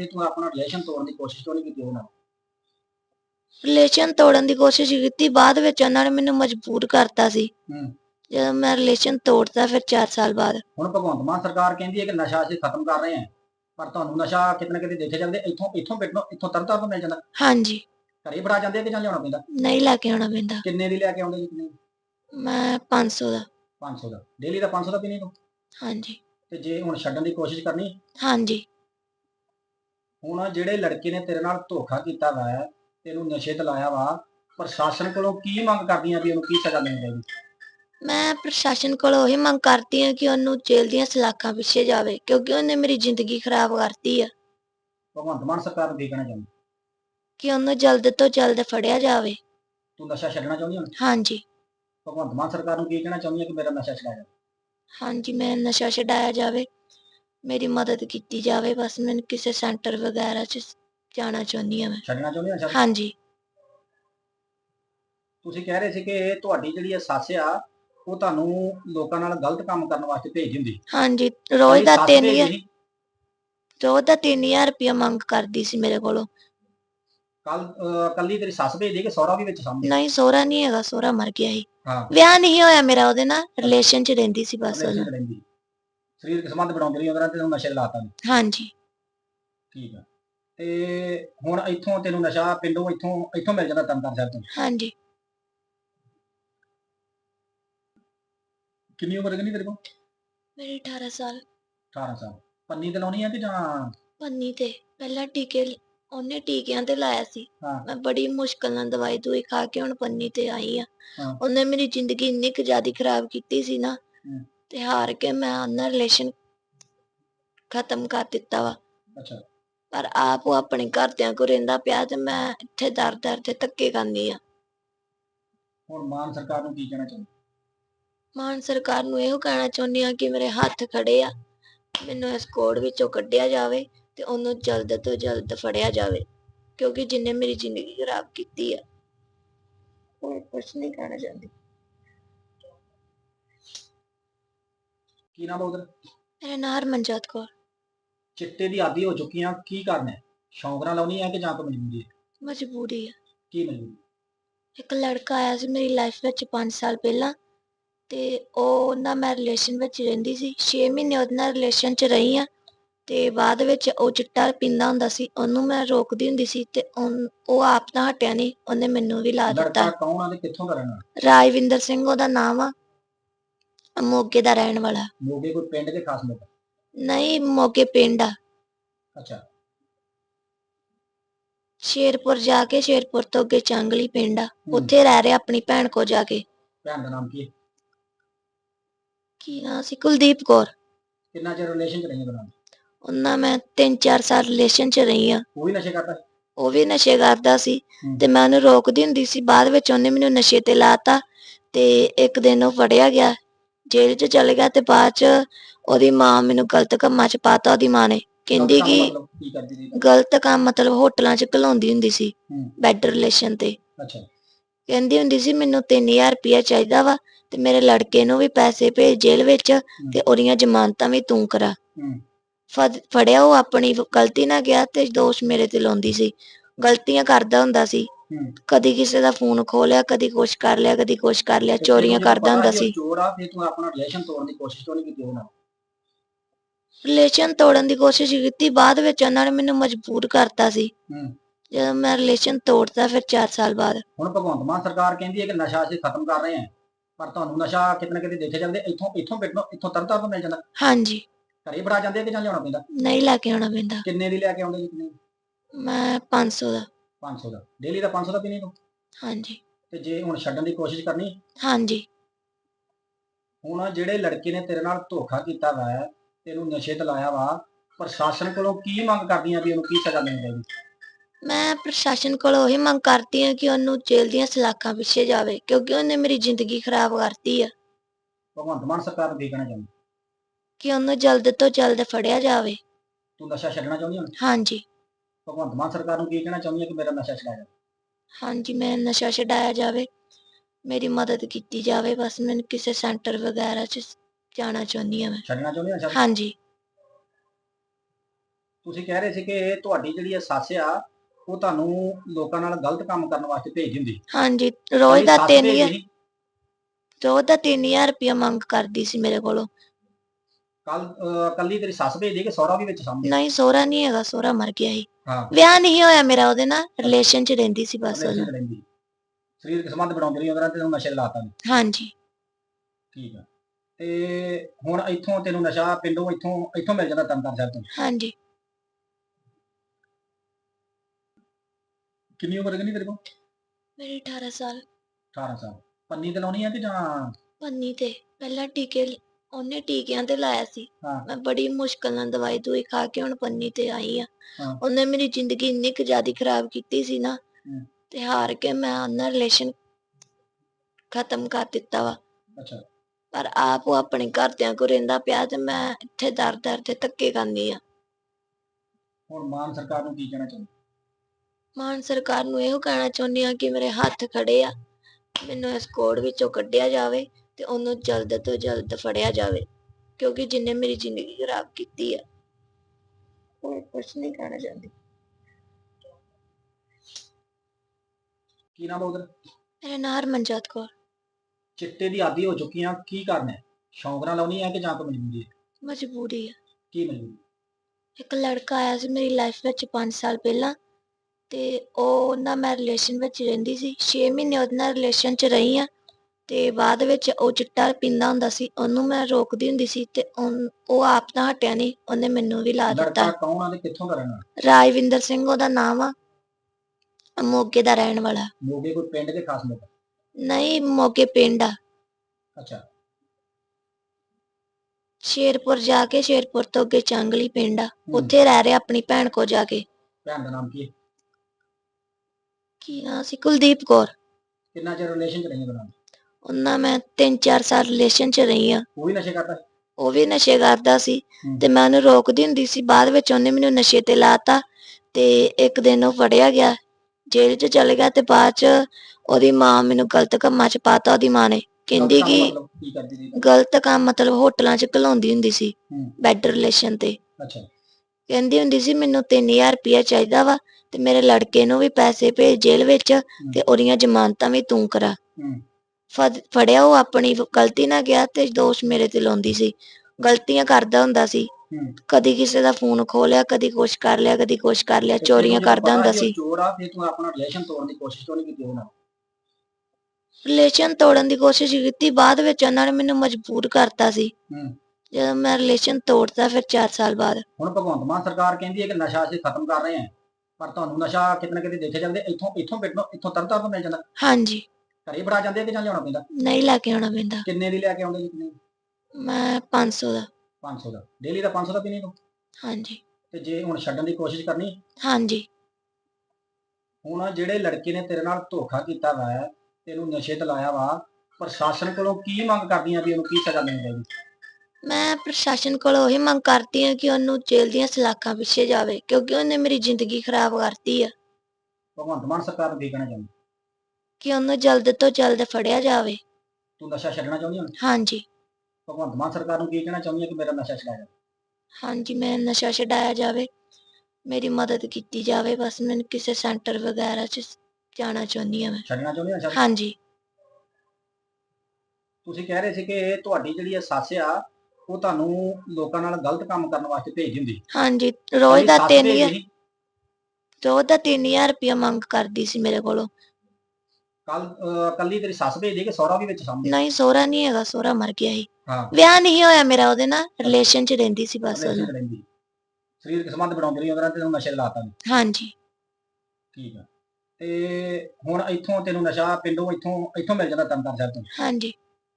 B: ਰਿਲੇਸ਼ਨ ਤੋੜਨ ਦੀ ਕੋਸ਼ਿਸ਼ ਕੀਤੀ, ਬਾਅਦ ਵਿੱਚ ਉਹਨਾਂ ਨੇ ਮੈਨੂੰ ਮਜਬੂਰ ਕਰਤਾ ਸੀ। ਜਦੋਂ ਮੈਂ ਰਿਲੇਸ਼ਨ ਤੋੜਤਾ ਫਿਰ 4 ਸਾਲ ਬਾਅਦ।
A: ਹੁਣ ਭਗਵੰਤ ਮਾਨ ਸਰਕਾਰ ਕਹਿੰਦੀ ਹੈ ਕਿ ਨਸ਼ਾ ਅਸੀਂ ਖਤਮ ਕਰ ਰਹੇ ਹਾਂ, ਪਰ ਤੁਹਾਨੂੰ ਨਸ਼ਾ ਕਿਤੇ ਨਾ ਕਿਤੇ ਦੇਖੇ ਜਾਂਦੇ ਇੱਥੋਂ ਤਰਨਤਾਰਨ ਤੋਂ ਮਿਲ ਜਾਂਦਾ।
B: ਹਾਂਜੀ।
A: ਘਰੇ ਬੜਾ ਜਾਂਦੇ ਕਿ ਜਾਂ ਲਿਆਉਣਾ ਪੈਂਦਾ?
B: ਨਹੀਂ ਲੈ ਕੇ ਆਉਣਾ ਪੈਂਦਾ।
A: ਕਿੰਨੇ ਦੀ ਲੈ ਕੇ ਆਉਂਦੇ ਜੀ?
B: ਮੈਂ 500 ਦਾ।
A: 500 ਦਾ ਡੇਲੀ ਦਾ 500 ਦਾ ਪੀਣੀ ਤੂੰ?
B: ਹਾਂਜੀ।
A: ਤੇ ਜੇ ਹੁਣ ਛੱਡਣ ਦੀ ਕੋਸ਼ਿਸ਼ ਕਰਨੀ?
B: ਹਾਂਜੀ।
A: ਹੁਣ ਜਿਹੜੇ ਲੜਕੇ ਨੇ ਤੇਰੇ ਨਾਲ ਧੋਖਾ ਕੀਤਾ ਵਾ, ਤੈਨੂੰ ਨਸ਼ੇ ਤੇ ਲਾਇਆ ਵਾ, ਪ੍ਰਸ਼ਾਸਨ ਕੋਲੋਂ ਕੀ ਮੰਗ ਕਰਦੀਆਂ ਵੀ ਉਹਨੂੰ ਕੀ ਸਜ਼ਾ ਦੇਣੀ ਚਾਹੀਦੀ?
B: ਮੈਂ ਪ੍ਰਸ਼ਾਸਨ ਕੋਲੋਂ ਇਹ ਮੰਗ ਕਰਦੀ ਹਾਂ ਕਿ ਉਹਨੂੰ ਜੇਲ੍ਹ ਦੀਆਂ ਸਲਾਖਾਂ ਪਿੱਛੇ ਜਾਵੇ, ਕਿਉਂਕਿ ਉਹਨੇ ਮੇਰੀ ਜ਼ਿੰਦਗੀ ਖਰਾਬ ਕਰਤੀ ਆ।
A: ਭਗਵੰਤ ਮਾਨ ਸਰਕਾਰ ਨੂੰ ਕੀ ਕਹਿਣਾ ਚਾਹੁੰਦੀ?
B: ਕਿ ਉਹਨੂੰ ਜਲਦ ਤੋਂ ਜਲਦ ਫੜਿਆ ਜਾਵੇ।
A: ਤੂੰ ਨਸ਼ਾ ਛੱਡਣਾ ਚਾਹੁੰਦੀ ਹੁਣ?
B: ਹਾਂਜੀ।
A: ਭਗਵੰਤ ਮਾਨ ਸਰਕਾਰ ਨੂੰ ਕੀ ਕਹਿਣਾ ਚਾਹੁੰਦੀ ਹੈ ਕਿ ਮੇਰਾ ਨਸ਼ਾ ਛੁਡਾਇਆ ਜਾਵੇ?
B: ਹਾਂਜੀ, ਮੈਂ ਨਸ਼ਾ ਛਡਾਇਆ ਜਾਵੇ, ਮੇਰੀ ਮਦਦ ਕੀਤੀ ਜਾਵੇ। ਬਸ ਮੈਨੂੰ ਕਿਸੇ ਸੈਂਟਰ ਵਗੈਰਾ 'ਚ ਜਾਣਾ ਚਾਹੁੰਦੀ ਹਾਂ ਮੈਂ।
A: ਛੱਡਣਾ ਚਾਹੁੰਦੀ ਨਸ਼ਾ?
B: ਹਾਂਜੀ।
A: ਤੁਸੀਂ ਕਹਿ ਰਹੇ ਸੀ ਕਿ ਤੁਹਾਡੀ ਜਿਹੜੀ ਇਹ ਸੱਸ ਆ ਉਹ ਤੁਹਾਨੂੰ ਲੋਕਾਂ ਨਾਲ ਗਲਤ ਕੰਮ ਕਰਨ ਵਾਸਤੇ ਭੇਜ ਦਿੰਦੀ।
B: ਹਾਂਜੀ,
A: ਕੱਲੀ ਸੱਸ ਭੇਜਦੀ ਸੀ?
B: ਰੋਜ਼ ਦਾ 3000 ਰੁਪਇਆ ਮੰਗ ਕਰਦੀ ਸੀ ਮੇਰੇ ਕੋਲੋਂ।
A: ਕੱਲੀ ਤੇਰੀ ਸੱਸ ਭੇਜਦੀ ਕਿ ਸਹੁਰਾ ਵੀ ਵਿੱਚ ਸਾਂਭਦੇ?
B: ਨਹੀਂ, ਸਹੁਰਾ ਨਹੀਂ ਹੈਗਾ, ਸਹੁਰਾ ਮਰ ਗਿਆ ਸੀ।
A: ਹਾਂ,
B: ਵਿਆਹ ਨਹੀਂ ਹੋਇਆ ਮੇਰਾ ਉਹਦੇ ਨਾਲ, ਰਿਲੇਸ਼ਨ 'ਚ ਰਹਿੰਦੀ ਸੀ ਬਸ
A: ਰਿਲੇਸ਼ਨ
B: ਉਹਨੂੰ।
A: ਚ ਰਹਿੰਦੀ। ਸਰੀਰਕ ਸੰਬੰਧ ਬਣਾਉਂਦੀ ਰਹੀ ਉਹਦੇ ਨਾਲ, ਤੈਨੂੰ ਨਸ਼ੇ ਲਾਤਾ ਨੇ।
B: ਹਾਂਜੀ।
A: ਠੀਕ ਆ। ਤੇ ਹੁਣ ਇੱਥੋਂ ਤੈਨੂੰ ਨਸ਼ਾ ਪਿੰਡੋਂ ਇੱਥੋਂ ਮਿਲ ਜਾਂਦਾ ਤਰਨਤਾਰਨ ਸਾਹਿਬ ਤੋਂ?
B: ਹਾਂਜੀ।
A: ਕਿੰਨੀ ਉਮਰ ਕਿੰਨੀ ਤੇਰੇ ਕੋਲ?
B: ਮੇਰੀ 18 ਸਾਲ।
A: 18 ਸਾਲ। ਪੰਨੀ ਤੇ ਲਾਉਣੀ ਆ ਕਿ ਜਾਂ?
B: ਪੰਨੀ ਤੇ ਪਹਿਲਾਂ ਉਹਨੇ ਟੀਕਿਆਂ ਤੇ ਲਾਇਆ ਸੀ।
A: ਹਾਂ,
B: ਮੈਂ ਬੜੀ ਮੁਸ਼ਕਲ ਨਾਲ ਦਵਾਈ ਦੂਈ ਖਾ ਕੇ ਹੁਣ ਪੰਨੀ ਤੇ ਆਈ ਆ।
A: ਹਾਂ,
B: ਉਹਨੇ ਮੇਰੀ ਜ਼ਿੰਦਗੀ ਇੰਨੀ ਕੁ ਜ਼ਿਆਦਾ ਖਰਾਬ ਕੀਤੀ ਸੀ ਨਾ,
A: ਹੂੰ,
B: ਤੇ ਹਾਰ ਕੇ ਮੈਂ ਉਹਨਾਂ ਰਿਲੇਸ਼ਨ ਖਤਮ ਕਰ ਦਿੱਤਾ ਵਾ।
A: ਅੱਛਾ।
B: ਪਰ ਆਪ ਉਹ ਆਪਣੇ ਘਰਦਿਆਂ ਕੋਲ ਰਹਿੰਦਾ ਪਿਆ ਤੇ ਮੈਂ ਇੱਥੇ ਦਰ-ਦਰ ਤੇ ਧੱਕੇ ਖਾਂਦੀ ਆ।
A: ਹੁਣ ਮਾਨ ਸਰਕਾਰ ਨੂੰ ਕੀ ਕਹਿਣਾ ਚਾਹੁੰਦੀ?
B: ਮਾਨ ਸਰਕਾਰ ਨੂੰ ਇਹੋ ਕਹਿਣਾ ਚਾਹੁੰਦੀ ਆ ਕਿ ਮੇਰੇ ਹੱਥ ਖੜੇ ਆ, ਮੈਨੂੰ ਇਸ ਕੋੜ ਵਿੱਚੋਂ ਕੱਢਿਆ ਜਾਵੇ ਤੇ ਉਹਨੂੰ ਜਲਦ ਤੋਂ ਜਲਦ ਫੜਿਆ ਜਾਵੇ, ਕਿਉਂਕਿ ਜਿਹਨੇ ਮੇਰੀ ਜ਼ਿੰਦਗੀ ਖਰਾਬ ਕੀਤੀ ਆ। ਹੋਰ ਕੁਛ ਨਹੀਂ ਕਹਿਣਾ ਚਾਹੁੰਦੀ।
A: ਕੀ ਨਾਮ ਉਹਦਾ?
B: ਮੇਰਾ ਨਾਂ ਹਰਮਨਜੋਤ ਕੌਰ।
A: ਚਿੱਟੇ ਦੀ ਆਦੀ ਹੋ ਚੁੱਕੀ ਆ, ਕੀ ਕਰਨਾ ਹੈ? ਸ਼ੌਂਕ ਨਾਲ ਲਾਉਣੀ ਹੈ ਕਿ ਜਾਂ ਕੋਈ ਮਜਬੂਰੀ ਹੈ?
B: ਮਜਬੂਰੀ ਆ।
A: ਕੀ ਮਜਬੂਰੀ?
B: ਇੱਕ ਲੜਕਾ ਆਇਆ ਸੀ ਮੇਰੀ ਲਾਈਫ ਵਿੱਚ 5 ਸਾਲ ਪਹਿਲਾਂ, ਤੇ ਉਹ ਨਾਲ ਮੈਂ ਰਿਲੇਸ਼ਨ ਵਿੱਚ ਰਹਿੰਦੀ ਸੀ। 6 ਮਹੀਨੇ ਉਹਦੇ ਨਾਲ ਰਿਲੇਸ਼ਨ 'ਚ ਰਹੀ ਆ, ਤੇ ਬਾਅਦ ਵਿੱਚ ਉਹ ਚਿੱਟਾ ਪੀਂਦਾ ਹੁੰਦਾ ਸੀ, ਉਹਨੂੰ ਮੈਂ ਰੋਕਦੀ ਹੁੰਦੀ ਸੀ ਤੇ ਉਹ ਆਪ ਤਾਂ ਹਟਿਆ ਨਹੀਂ, ਉਹਨੇ ਮੈਨੂੰ ਵੀ ਲਾ ਦਿੱਤਾ।
A: ਲੜਕਾ ਕੌਣ ਆ ਤੇ ਕਿੱਥੋਂ ਦਾ ਰਹਿਣਾ?
B: ਰਾਜਵਿੰਦਰ ਸਿੰਘ ਉਹਦਾ ਨਾਮ ਆ, ਮੋਗੇ ਦਾ ਰਹਿਣ ਵਾਲਾ।
A: ਮੋਗੇ ਕੋਈ ਪਿੰਡ ਦੇ ਖਾਸ ਲੋਕ?
B: ਨਹੀਂ, ਮੋਗੇ ਪਿੰਡ ਆ।
A: ਅੱਛਾ।
B: ਸ਼ੇਰਪੁਰ ਜਾ ਕੇ, ਸ਼ੇਰਪੁਰ ਤੋਂ ਅੱਗੇ ਚਾਂਗਲੀ ਪਿੰਡ ਆ,
A: ਹੂੰ,
B: ਉੱਥੇ ਰਹਿ ਰਿਹਾ ਆਪਣੀ ਭੈਣ ਕੋਲ ਜਾ ਕੇ।
A: ਭੈਣ ਦਾ ਨਾਮ ਕੀ ਹੈ?
B: ਕੀ ਨਾਂ ਸੀ? ਕੁਲਦੀਪ ਕੌਰ।
A: ਕਿੰਨਾ ਚਿਰ ਰਿਲੇਸ਼ਨ ਚ ਰਹੀਆਂ ਦੋਨਾਂ ਨਾਲ?
B: ਉਹਨਾਂ ਮੈਂ 3-4 ਸਾਲ ਰਿਲੇਸ਼ਨ 'ਚ ਰਹੀ ਆ।
A: ਉਹ ਵੀ ਨਸ਼ੇ ਕਰਦਾ ਸੀ?
B: ਉਹ ਵੀ ਨਸ਼ੇ ਕਰਦਾ ਸੀ
A: ਹੂੰ,
B: ਤੇ ਮੈਂ ਉਹਨੂੰ ਰੋਕਦੀ ਹੁੰਦੀ ਸੀ। ਬਾਅਦ ਵਿੱਚ ਉਹਨੇ ਮੈਨੂੰ ਨਸ਼ੇ ਤੇ ਲਾਤਾ ਤੇ ਇੱਕ ਦਿਨ ਉਹ ਫੜਿਆ ਗਿਆ, ਜੇਲ੍ਹ 'ਚ ਚਲੇ ਗਿਆ ਤੇ ਬਾਅਦ 'ਚ ਉਹਦੀ ਮਾਂ ਮੈਨੂੰ ਗਲਤ ਕੰਮਾਂ 'ਚ ਪਾਤਾ। ਉਹਦੀ ਮਾਂ ਨੇ
A: ਗਲਤ
B: ਕਹਿੰਦੀ
A: ਕੰਮ
B: ਕਿ
A: ਮਤਲਬ ਕੀ ਕਰਦੀ ਸੀ?
B: ਗਲਤ ਕੰਮ ਮਤਲਬ ਹੋਟਲਾਂ 'ਚ ਘਲਾਉਂਦੀ ਹੁੰਦੀ ਸੀ,
A: ਹੂੰ,
B: ਬੈਡ ਰਿਲੇਸ਼ਨ ਤੇ।
A: ਅੱਛਾ।
B: ਕਹਿੰਦੀ ਹੁੰਦੀ ਸੀ ਮੈਨੂੰ 3000 ਰੁਪਇਆ ਚਾਹੀਦਾ ਵਾ ਤੇ ਮੇਰੇ ਲੜਕੇ ਨੂੰ ਵੀ ਪੈਸੇ ਭੇਜ ਜੇਲ੍ਹ ਵਿੱਚ,
A: ਹੂੰ,
B: ਤੇ ਉਹਦੀਆਂ ਜ਼ਮਾਨਤਾਂ ਵੀ ਤੂੰ ਕਰਾ।
A: ਹੂੰ,
B: ਫੜਿਆ ਉਹ ਆਪਣੀ ਗਲਤੀ ਨਾਲ ਗਿਆ ਤੇ ਦੋਸ਼ ਮੇਰੇ ਤੇ ਲਾਉਂਦੀ ਸੀ। ਗਲਤੀਆਂ ਕਰਦਾ ਹੁੰਦਾ ਸੀ,
A: ਹੂੰ।
B: ਕਦੀ ਕਿਸੇ ਦਾ ਫੋਨ ਖੋਹ ਲਿਆ, ਕਦੀ ਕੁਛ ਕਰ ਲਿਆ, ਕਦੀ ਕੁਛ ਕਰ ਲਿਆ,
A: ਤੇ ਤੈਨੂੰ
B: ਚੋਰੀਆਂ
A: ਜਦੋਂ
B: ਕਰਦਾ
A: ਪਤਾ
B: ਹੁੰਦਾ
A: ਸੀ ਉਹ
B: ਸੀ।
A: ਚੋਰ ਆ, ਫਿਰ ਤੂੰ ਆਪਣਾ ਰਿਲੇਸ਼ਨ ਤੋੜਨ ਦੀ ਕੋਸ਼ਿਸ਼ ਕਿਉਂ ਨਹੀਂ ਕੀਤੀ ਉਹਦੇ ਨਾਲ?
B: ਰਿਲੇਸ਼ਨ ਤੋੜਨ ਦੀ ਕੋਸ਼ਿਸ਼ ਕੀਤੀ, ਬਾਅਦ ਵਿੱਚ ਉਹਨਾਂ ਨੇ ਮੈਨੂੰ ਮਜਬੂਰ ਕਰਤਾ ਸੀ।
A: ਹੂੰ।
B: ਜਦੋਂ ਮੈਂ ਰਿਲੇਸ਼ਨ ਤੋੜਤਾ ਫਿਰ 4 ਸਾਲ ਬਾਅਦ।
A: ਹੁਣ ਭਗਵੰਤ ਮਾਨ ਸਰਕਾਰ ਕਹਿੰਦੀ ਹੈ ਕਿ ਨਸ਼ਾ ਅਸੀਂ ਖਤਮ ਕਰ ਰਹੇ ਹਾਂ, ਪਰ ਤੁਹਾਨੂੰ ਨਸ਼ਾ ਕਿਤੇ ਨਾ ਕਿਤੇ ਦੇਖੇ ਜਾਂਦੇ ਇੱਥੋਂ ਤਰਨਤਾਰਨ ਤੋਂ ਮਿਲ ਜਾਂਦਾ?
B: ਹਾਂਜੀ।
A: ਘਰੇ ਬੜਾ ਜਾਂਦੇ ਆ ਕਿ ਜਾਂ ਲਿਆਉਣਾ ਪੈਂਦਾ?
B: ਨਹੀਂ ਲੈ ਕੇ ਆਉਣਾ ਪੈਂਦਾ।
A: ਕਿੰਨੇ ਦੀ ਲੈ ਕੇ ਆਉਂਦੇ ਜੀ? ਕਿੰਨੇ?
B: ਮੈਂ 500 ਦਾ।
A: 500 ਦਾ ਡੇਲੀ ਦਾ? 500 ਦਾ ਪੀਣੀ ਤੂੰ?
B: ਹਾਂਜੀ।
A: ਤੇ ਜੇ ਹੁਣ ਛੱਡਣ ਦੀ ਕੋਸ਼ਿਸ਼ ਕਰਨੀ?
B: ਹਾਂਜੀ।
A: ਹੁਣ ਜਿਹੜੇ ਲੜਕੇ ਨੇ ਤੇਰੇ ਨਾਲ ਧੋਖਾ ਕੀਤਾ ਵਾ, ਤੈਨੂੰ ਨਸ਼ੇ ਤੇ ਲਾਇਆ ਵਾ, ਪ੍ਰਸ਼ਾਸਨ ਕੋਲੋਂ ਕੀ ਮੰਗ ਕਰਦੀਆਂ ਵੀ ਉਹਨੂੰ ਕੀ ਸਜ਼ਾ ਮਿਲਣੀ ਚਾਹੀਦੀ?
B: ਮੈਂ ਪ੍ਰਸ਼ਾਸਨ ਕੋਲੋਂ ਉਹੀ ਮੰਗ ਕਰਦੀ ਹਾਂ ਕਿ ਉਹਨੂੰ ਜੇਲ੍ਹ ਦੀਆਂ ਸਲਾਖਾਂ ਪਿੱਛੇ ਜਾਵੇ, ਕਿਉਂਕਿ ਉਹਨੇ ਮੇਰੀ ਜ਼ਿੰਦਗੀ ਖਰਾਬ ਕਰਤੀ ਆ।
A: ਭਗਵੰਤ ਮਾਨ ਸਰਕਾਰ ਨੂੰ ਕੀ ਕਹਿਣਾ ਚਾਹੁੰਦੀ?
B: ਕਿ ਉਹਨੂੰ ਜਲਦ ਤੋਂ ਜਲਦ ਫੜਿਆ ਜਾਵੇ।
A: ਤੂੰ ਨਸ਼ਾ ਛੱਡਣਾ ਚਾਹੁੰਦੀ ਹੁਣ?
B: ਹਾਂਜੀ।
A: ਭਗਵੰਤ ਮਾਨ ਸਰਕਾਰ ਨੂੰ ਕੀ ਕਹਿਣਾ ਚਾਹੁੰਦੀ ਹੈ ਕਿ ਮੇਰਾ ਨਸ਼ਾ ਛੁਡਾਇਆ ਜਾਵੇ?
B: ਹਾਂਜੀ, ਮੈਂ ਨਸ਼ਾ ਛਡਾਇਆ ਜਾਵੇ, ਮੇਰੀ ਮਦਦ ਕੀਤੀ ਜਾਵੇ। ਬਸ ਮੈਨੂੰ ਕਿਸੇ ਸੈਂਟਰ ਵਗੈਰਾ 'ਚ ਜਾਣਾ ਚਾਹੁੰਦੀ ਹਾਂ ਮੈਂ।
A: ਛੱਡਣਾ ਚਾਹੁੰਦੀ ਨਸ਼ਾ?
B: ਹਾਂਜੀ।
A: ਤੁਸੀਂ ਕਹਿ ਰਹੇ ਸੀ ਕਿ ਤੁਹਾਡੀ ਜਿਹੜੀ ਇਹ ਸੱਸ ਆ ਉਹ ਤੁਹਾਨੂੰ ਲੋਕਾਂ ਨਾਲ ਗਲਤ ਕੰਮ ਕਰਨ ਵਾਸਤੇ ਭੇਜ ਦਿੰਦੀ।
B: ਹਾਂਜੀ,
A: ਕੱਲੀ ਸੱਸ ਭੇਜਦੀ ਸੀ?
B: ਰੋਜ਼ ਦਾ 3000 ਰੁਪਇਆ ਮੰਗ ਕਰਦੀ ਸੀ ਮੇਰੇ ਕੋਲੋਂ।
A: ਕੱਲੀ ਤੇਰੀ ਸੱਸ ਭੇਜਦੀ ਕਿ ਸਹੁਰਾ ਵੀ ਵਿੱਚ ਸਾਂਭਦੇ?
B: ਨਹੀਂ, ਸਹੁਰਾ ਨਹੀਂ ਹੈਗਾ, ਸਹੁਰਾ ਮਰ ਗਿਆ ਸੀ।
A: ਹਾਂ,
B: ਵਿਆਹ ਨਹੀਂ ਹੋਇਆ ਮੇਰਾ ਉਹਦੇ ਨਾਲ, ਰਿਲੇਸ਼ਨ 'ਚ ਰਹਿੰਦੀ ਸੀ ਬਸ
A: ਰਿਲੇਸ਼ਨ
B: ਉਹਨੂੰ।
A: ਚ ਰਹਿੰਦੀ। ਸਰੀਰਕ ਸੰਬੰਧ ਬਣਾਉਂਦੀ ਰਹੀ ਉਹਦੇ ਨਾਲ, ਤੈਨੂੰ ਨਸ਼ੇ ਲਾਤਾ ਨੇ।
B: ਹਾਂਜੀ।
A: ਠੀਕ ਆ। ਤੇ ਹੁਣ ਇੱਥੋਂ ਤੈਨੂੰ ਨਸ਼ਾ ਪਿੰਡੋਂ ਇੱਥੋਂ ਮਿਲ ਜਾਂਦਾ ਤਰਨਤਾਰਨ ਸਾਹਿਬ ਤੋਂ?
B: ਹਾਂਜੀ।
A: ਕਿੰਨੀ ਉਮਰ ਕਿੰਨੀ ਤੇਰੇ ਕੋਲ?
B: ਮੇਰੀ 18 ਸਾਲ।
A: 18 ਸਾਲ। ਪੰਨੀ ਤੇ ਲਾਉਣੀ ਆ ਕਿ ਜਾਂ?
B: ਪੰਨੀ ਤੇ ਪਹਿਲਾਂ ਉਹਨੇ ਟੀਕਿਆਂ ਤੇ ਲਾਇਆ ਸੀ।
A: ਹਾਂ
B: ਮੈਂ ਬੜੀ ਮੁਸ਼ਕਲ ਨਾਲ ਦਵਾਈ ਦੂਈ ਖਾ ਕੇ ਹੁਣ ਪੰਨੀ ਤੇ ਆਈ ਆ।
A: ਹਾਂ
B: ਉਹਨੇ ਮੇਰੀ ਜ਼ਿੰਦਗੀ ਇੰਨੀ ਕੁ ਜ਼ਿਆਦਾ ਖਰਾਬ ਕੀਤੀ ਸੀ ਨਾ,
A: ਹੂੰ,
B: ਤੇ ਹਾਰ ਕੇ ਮੈਂ ਉਹਨਾਂ ਰਿਲੇਸ਼ਨ ਖਤਮ ਕਰ ਦਿੱਤਾ ਵਾ।
A: ਅੱਛਾ।
B: ਪਰ ਆਪ ਉਹ ਆਪਣੇ ਘਰਦਿਆਂ ਕੋਲ ਰਹਿੰਦਾ ਪਿਆ ਤੇ ਮੈਂ ਇੱਥੇ ਦਰ-ਦਰ ਤੇ ਧੱਕੇ ਖਾਂਦੀ ਆ।
A: ਹੁਣ ਮਾਨ ਸਰਕਾਰ ਨੂੰ ਕੀ ਕਹਿਣਾ ਚਾਹੁੰਦੇ?
B: ਮਾਨ ਸਰਕਾਰ ਨੂੰ ਇਹੋ ਕਹਿਣਾ ਚਾਹੁੰਦੀ ਆ ਕਿ ਮੇਰੇ ਹੱਥ ਖੜੇ ਆ, ਮੈਨੂੰ ਇਸ ਕੋੜ ਵਿੱਚੋਂ ਕੱਢਿਆ ਜਾਵੇ ਤੇ ਉਹਨੂੰ ਜਲਦ ਤੋਂ ਜਲਦ ਫੜਿਆ ਜਾਵੇ, ਕਿਉਂਕਿ ਜਿਹਨੇ ਮੇਰੀ ਜ਼ਿੰਦਗੀ ਖਰਾਬ ਕੀਤੀ ਆ। ਹੋਰ ਕੁਛ ਨਹੀਂ ਕਹਿਣਾ ਚਾਹੁੰਦੀ।
A: ਕੀ ਨਾਮ ਉਹਦਾ?
B: ਮੇਰਾ ਨਾਂ ਹਰਮਨਜੋਤ ਕੌਰ।
A: ਚਿੱਟੇ ਦੀ ਆਦੀ ਹੋ ਚੁੱਕੀਆਂ, ਕੀ ਕਰਨਾ ਹੈ? ਸ਼ੌਂਕ ਨਾਲ ਲਾਉਣੀ ਹੈ ਕਿ ਜਾਂ ਕੋਈ ਮਜਬੂਰੀ ਹੈ?
B: ਮਜਬੂਰੀ ਆ।
A: ਕੀ ਮਜਬੂਰੀ?
B: ਇੱਕ ਲੜਕਾ ਆਇਆ ਸੀ ਮੇਰੀ ਲਾਈਫ ਵਿੱਚ 5 ਸਾਲ ਪਹਿਲਾਂ, ਤੇ ਉਹ ਨਾਲ ਮੈਂ ਰਿਲੇਸ਼ਨ ਵਿੱਚ ਰਹਿੰਦੀ ਸੀ। 6 ਮਹੀਨੇ ਉਹਦੇ ਨਾਲ ਰਿਲੇਸ਼ਨ 'ਚ ਰਹੀ ਆ, ਤੇ ਬਾਅਦ ਵਿੱਚ ਉਹ ਚਿੱਟਾ ਪੀਂਦਾ ਹੁੰਦਾ ਸੀ। ਉਹਨੂੰ ਮੈਂ ਰੋਕਦੀ ਹੁੰਦੀ ਸੀ ਤੇ ਉਹ ਆਪ ਤਾਂ ਹਟਿਆ ਨਹੀਂ, ਉਹਨੇ ਮੈਨੂੰ ਵੀ ਲਾ ਦਿੱਤਾ।
A: ਲੜਕਾ ਕੌਣ ਆ ਤੇ ਕਿੱਥੋਂ ਦਾ ਰਹਿਣ ਵਾਲਾ?
B: ਰਾਜਵਿੰਦਰ ਸਿੰਘ ਉਹਦਾ ਨਾਮ ਆ, ਮੋਗੇ ਦਾ ਰਹਿਣ ਵਾਲਾ।
A: ਮੋਗੇ ਕੋਈ ਪਿੰਡ ਦੇ ਖਾਸ ਲੋਕ?
B: ਨਹੀਂ, ਮੋਗੇ ਪਿੰਡ ਆ।
A: ਅੱਛਾ।
B: ਸ਼ੇਰਪੁਰ ਜਾ ਕੇ, ਸ਼ੇਰਪੁਰ ਤੋਂ ਅੱਗੇ ਚਾਂਗਲੀ ਪਿੰਡ ਆ,
A: ਹੂੰ,
B: ਉੱਥੇ ਰਹਿ ਰਿਹਾ ਆਪਣੀ ਭੈਣ ਕੋਲ ਜਾ ਕੇ।
A: ਭੈਣ ਦਾ ਨਾਮ ਕੀ ਹੈ?
B: ਕੀ ਨਾਂ ਸੀ? ਕੁਲਦੀਪ ਕੌਰ।
A: ਕਿੰਨਾ ਚਿਰ ਰਿਲੇਸ਼ਨ ਚ ਰਹੀਆਂ ਦੋਨਾਂ ਨੇ?
B: ਉਹਨਾਂ ਮੈਂ 3-4 ਸਾਲ ਰਿਲੇਸ਼ਨ 'ਚ ਰਹੀ ਆ।
A: ਉਹ ਵੀ ਨਸ਼ੇ ਕਰਦਾ ਸੀ?
B: ਉਹ ਵੀ ਨਸ਼ੇ ਕਰਦਾ ਸੀ
A: ਹੂੰ,
B: ਤੇ ਮੈਂ ਉਹਨੂੰ ਰੋਕਦੀ ਹੁੰਦੀ ਸੀ। ਬਾਅਦ ਵਿੱਚ ਉਹਨੇ ਮੈਨੂੰ ਨਸ਼ੇ ਤੇ ਲਾਤਾ, ਤੇ ਇੱਕ ਦਿਨ ਉਹ ਫੜਿਆ ਗਿਆ, ਜੇਲ੍ਹ 'ਚ ਚਲੇ ਗਿਆ, ਤੇ ਬਾਅਦ 'ਚ ਉਹਦੀ ਮਾਂ ਮੈਨੂੰ ਗਲਤ ਕੰਮਾਂ 'ਚ ਪਾਤਾ। ਉਹਦੀ ਮਾਂ ਨੇ
A: ਗਲਤ
B: ਕਹਿੰਦੀ
A: ਕੰਮ
B: ਕਿ
A: ਮਤਲਬ ਕੀ ਕਰਦੀ ਸੀ?
B: ਗਲਤ ਕੰਮ ਮਤਲਬ ਹੋਟਲਾਂ 'ਚ ਘਲਾਉਂਦੀ ਹੁੰਦੀ ਸੀ,
A: ਹੂੰ,
B: ਬੈਡ ਰਿਲੇਸ਼ਨ ਤੇ।
A: ਅੱਛਾ।
B: ਕਹਿੰਦੀ ਹੁੰਦੀ ਸੀ ਮੈਨੂੰ 3000 ਰੁਪਇਆ ਚਾਹੀਦਾ ਵਾ, ਤੇ ਮੇਰੇ ਲੜਕੇ ਨੂੰ ਵੀ ਪੈਸੇ ਭੇਜ ਜੇਲ੍ਹ ਵਿੱਚ,
A: ਹੂੰ,
B: ਤੇ ਉਹਦੀਆਂ ਜ਼ਮਾਨਤਾਂ ਵੀ ਤੂੰ ਕਰਾ।
A: ਹੂੰ,
B: ਫੜਿਆ ਉਹ ਆਪਣੀ ਗਲਤੀ ਨਾਲ ਗਿਆ ਤੇ ਦੋਸ਼ ਮੇਰੇ ਤੇ ਲਾਉਂਦੀ ਸੀ। ਗਲਤੀਆਂ ਕਰਦਾ ਹੁੰਦਾ ਸੀ,
A: ਹੂੰ।
B: ਕਦੀ ਕਿਸੇ ਦਾ ਫੋਨ ਖੋਹ ਲਿਆ, ਕਦੀ ਕੁਛ ਕਰ ਲਿਆ, ਕਦੀ ਕੁਛ ਕਰ ਲਿਆ,
A: ਤੇ ਤੈਨੂੰ
B: ਚੋਰੀਆਂ
A: ਜਦੋਂ
B: ਕਰਦਾ
A: ਪਤਾ
B: ਹੁੰਦਾ
A: ਸੀ ਉਹ
B: ਸੀ।
A: ਚੋਰ ਆ, ਫਿਰ ਤੂੰ ਆਪਣਾ ਰਿਲੇਸ਼ਨ ਤੋੜਨ ਦੀ ਕੋਸ਼ਿਸ਼ ਕਿਉਂ ਨਹੀਂ ਕੀਤੀ ਉਹਦੇ ਨਾਲ?
B: ਰਿਲੇਸ਼ਨ ਤੋੜਨ ਦੀ ਕੋਸ਼ਿਸ਼ ਕੀਤੀ, ਬਾਅਦ ਵਿੱਚ ਉਹਨਾਂ ਨੇ ਮੈਨੂੰ ਮਜਬੂਰ ਕਰਤਾ ਸੀ।
A: ਹੂੰ।
B: ਜਦੋਂ ਮੈਂ ਰਿਲੇਸ਼ਨ ਤੋੜਤਾ ਫਿਰ 4 ਸਾਲ ਬਾਅਦ।
A: ਹੁਣ ਭਗਵੰਤ ਮਾਨ ਸਰਕਾਰ ਕਹਿੰਦੀ ਹੈ ਕਿ ਨਸ਼ਾ ਅਸੀਂ ਖਤਮ ਕਰ ਰਹੇ ਹਾਂ, ਪਰ ਤੁਹਾਨੂੰ ਨਸ਼ਾ ਕਿਤੇ ਨਾ ਕਿਤੇ ਦੇਖੇ ਜਾਂਦੇ ਇੱਥੋਂ ਪਿੰਡੋਂ ਇੱਥੋਂ ਤਰਨਤਾਰਨ ਤੋਂ ਮਿਲ ਜਾਂਦਾ?
B: ਹਾਂਜੀ।
A: ਘਰੇ ਬੜਾ ਜਾਂਦੇ ਆ ਕਿ ਜਾਂ ਲਿਆਉਣਾ ਪੈਂਦਾ?
B: ਨਹੀਂ ਲੈ ਕੇ ਆਉਣਾ ਪੈਂਦਾ।
A: ਕਿੰਨੇ ਦੀ ਲੈ ਕੇ ਆਉਂਦੇ ਜੀ? ਕਿੰਨੇ?
B: ਮੈਂ 500 ਦਾ।
A: 500 ਦਾ ਡੇਲੀ ਦਾ? 500 ਦਾ ਪੀਣੀ ਤੂੰ?
B: ਹਾਂਜੀ।
A: ਤੇ ਜੇ ਹੁਣ ਛੱਡਣ ਦੀ ਕੋਸ਼ਿਸ਼ ਕਰਨੀ?
B: ਹਾਂਜੀ।
A: ਹੁਣ ਜਿਹੜੇ ਲੜਕੇ ਨੇ ਤੇਰੇ ਨਾਲ ਧੋਖਾ ਕੀਤਾ ਵਾ, ਤੈਨੂੰ ਨਸ਼ੇ ਤੇ ਲਾਇਆ ਵਾ, ਪ੍ਰਸ਼ਾਸਨ ਕੋਲੋਂ ਕੀ ਮੰਗ ਕਰਦੀਆਂ ਵੀ ਉਹਨੂੰ ਕੀ ਸਜ਼ਾ ਮਿਲਣੀ ਚਾਹੀਦੀ?
B: ਮੈਂ ਪ੍ਰਸ਼ਾਸਨ ਕੋਲੋਂ ਇਹ ਮੰਗ ਕਰਦੀ ਹਾਂ ਕਿ ਉਹਨੂੰ ਜੇਲ੍ਹ ਦੀਆਂ ਸਲਾਖਾਂ ਪਿੱਛੇ ਜਾਵੇ, ਕਿਉਂਕਿ ਉਹਨੇ ਮੇਰੀ ਜ਼ਿੰਦਗੀ ਖਰਾਬ ਕਰਤੀ ਆ।
A: ਭਗਵੰਤ ਮਾਨ ਸਰਕਾਰ ਨੂੰ ਕੀ ਕਹਿਣਾ ਚਾਹੁੰਦੀ?
B: ਕਿ ਉਹਨੂੰ ਜਲਦ ਤੋਂ ਜਲਦ ਫੜਿਆ ਜਾਵੇ।
A: ਤੂੰ ਨਸ਼ਾ ਛੱਡਣਾ ਚਾਹੁੰਦੀ ਹੁਣ?
B: ਹਾਂਜੀ।
A: ਭਗਵੰਤ ਮਾਨ ਸਰਕਾਰ ਨੂੰ ਕੀ ਕਹਿਣਾ ਚਾਹੁੰਦੀ ਹੈ ਕਿ ਮੇਰਾ ਨਸ਼ਾ ਛੁਡਾਇਆ ਜਾਵੇ?
B: ਹਾਂਜੀ, ਮੈਂ ਨਸ਼ਾ ਛਡਾਇਆ ਜਾਵੇ, ਮੇਰੀ ਮਦਦ ਕੀਤੀ ਜਾਵੇ। ਬਸ ਮੈਨੂੰ ਕਿਸੇ ਸੈਂਟਰ ਵਗੈਰਾ 'ਚ ਜਾਣਾ ਚਾਹੁੰਦੀ ਹਾਂ ਮੈਂ।
A: ਛੱਡਣਾ ਚਾਹੁੰਦੀ ਨਸ਼ਾ?
B: ਹਾਂਜੀ।
A: ਤੁਸੀਂ ਕਹਿ ਰਹੇ ਸੀ ਕਿ ਤੁਹਾਡੀ ਜਿਹੜੀ ਇਹ ਸੱਸ ਆ, ਉਹ ਤੁਹਾਨੂੰ ਲੋਕਾਂ ਨਾਲ ਗਲਤ ਕੰਮ ਕਰਨ ਵਾਸਤੇ ਭੇਜਦੀ ਹੁੰਦੀ?
B: ਹਾਂਜੀ, ਰੋਜ਼
A: ਕੱਲੀ
B: ਦਾ
A: ਸੱਸ
B: 3000
A: ਭੇਜਦੀ ਸੀ?
B: ਰੋਜ਼ ਦਾ 3000 ਰੁਪਇਆ ਮੰਗ ਕਰਦੀ ਸੀ ਮੇਰੇ ਕੋਲੋਂ।
A: ਕੱਲੀ ਤੇਰੀ ਸੱਸ ਭੇਜਦੀ ਕਿ ਸਹੁਰਾ ਵੀ ਵਿੱਚ ਸਾਹਮਣੇ?
B: ਨਹੀਂ, ਸਹੁਰਾ ਨਹੀਂ ਹੈਗਾ, ਸਹੁਰਾ ਮਰ ਗਿਆ ਸੀ।
A: ਹਾਂ।
B: ਵਿਆਹ ਨਹੀਂ ਹੋਇਆ ਮੇਰਾ ਉਹਦੇ ਨਾਲ, ਰਿਲੇਸ਼ਨ 'ਚ ਰਹਿੰਦੀ ਸੀ ਬਸ ਉਹਦੇ
A: ਰਿਲੇਸ਼ਨ
B: ਨਾਲ।
A: ਚ ਰਹਿੰਦੀ, ਸਰੀਰਕ ਸੰਬੰਧ ਬਣਾਉਂਦੀ ਰਹੀ ਉਹਦੇ ਨਾਲ, ਤੈਨੂੰ ਨਸ਼ੇ ਲਾਤਾ ਨੇ?
B: ਹਾਂਜੀ।
A: ਠੀਕ ਆ। ਤੇ ਹੁਣ ਇੱਥੋਂ ਤੈਨੂੰ ਨਸ਼ਾ ਪਿੰਡੋਂ ਇੱਥੋਂ ਮਿਲ ਜਾਂਦਾ ਤਰਨਤਾਰਨ ਸਾਹਿਬ ਤੋਂ?
B: ਹਾਂਜੀ।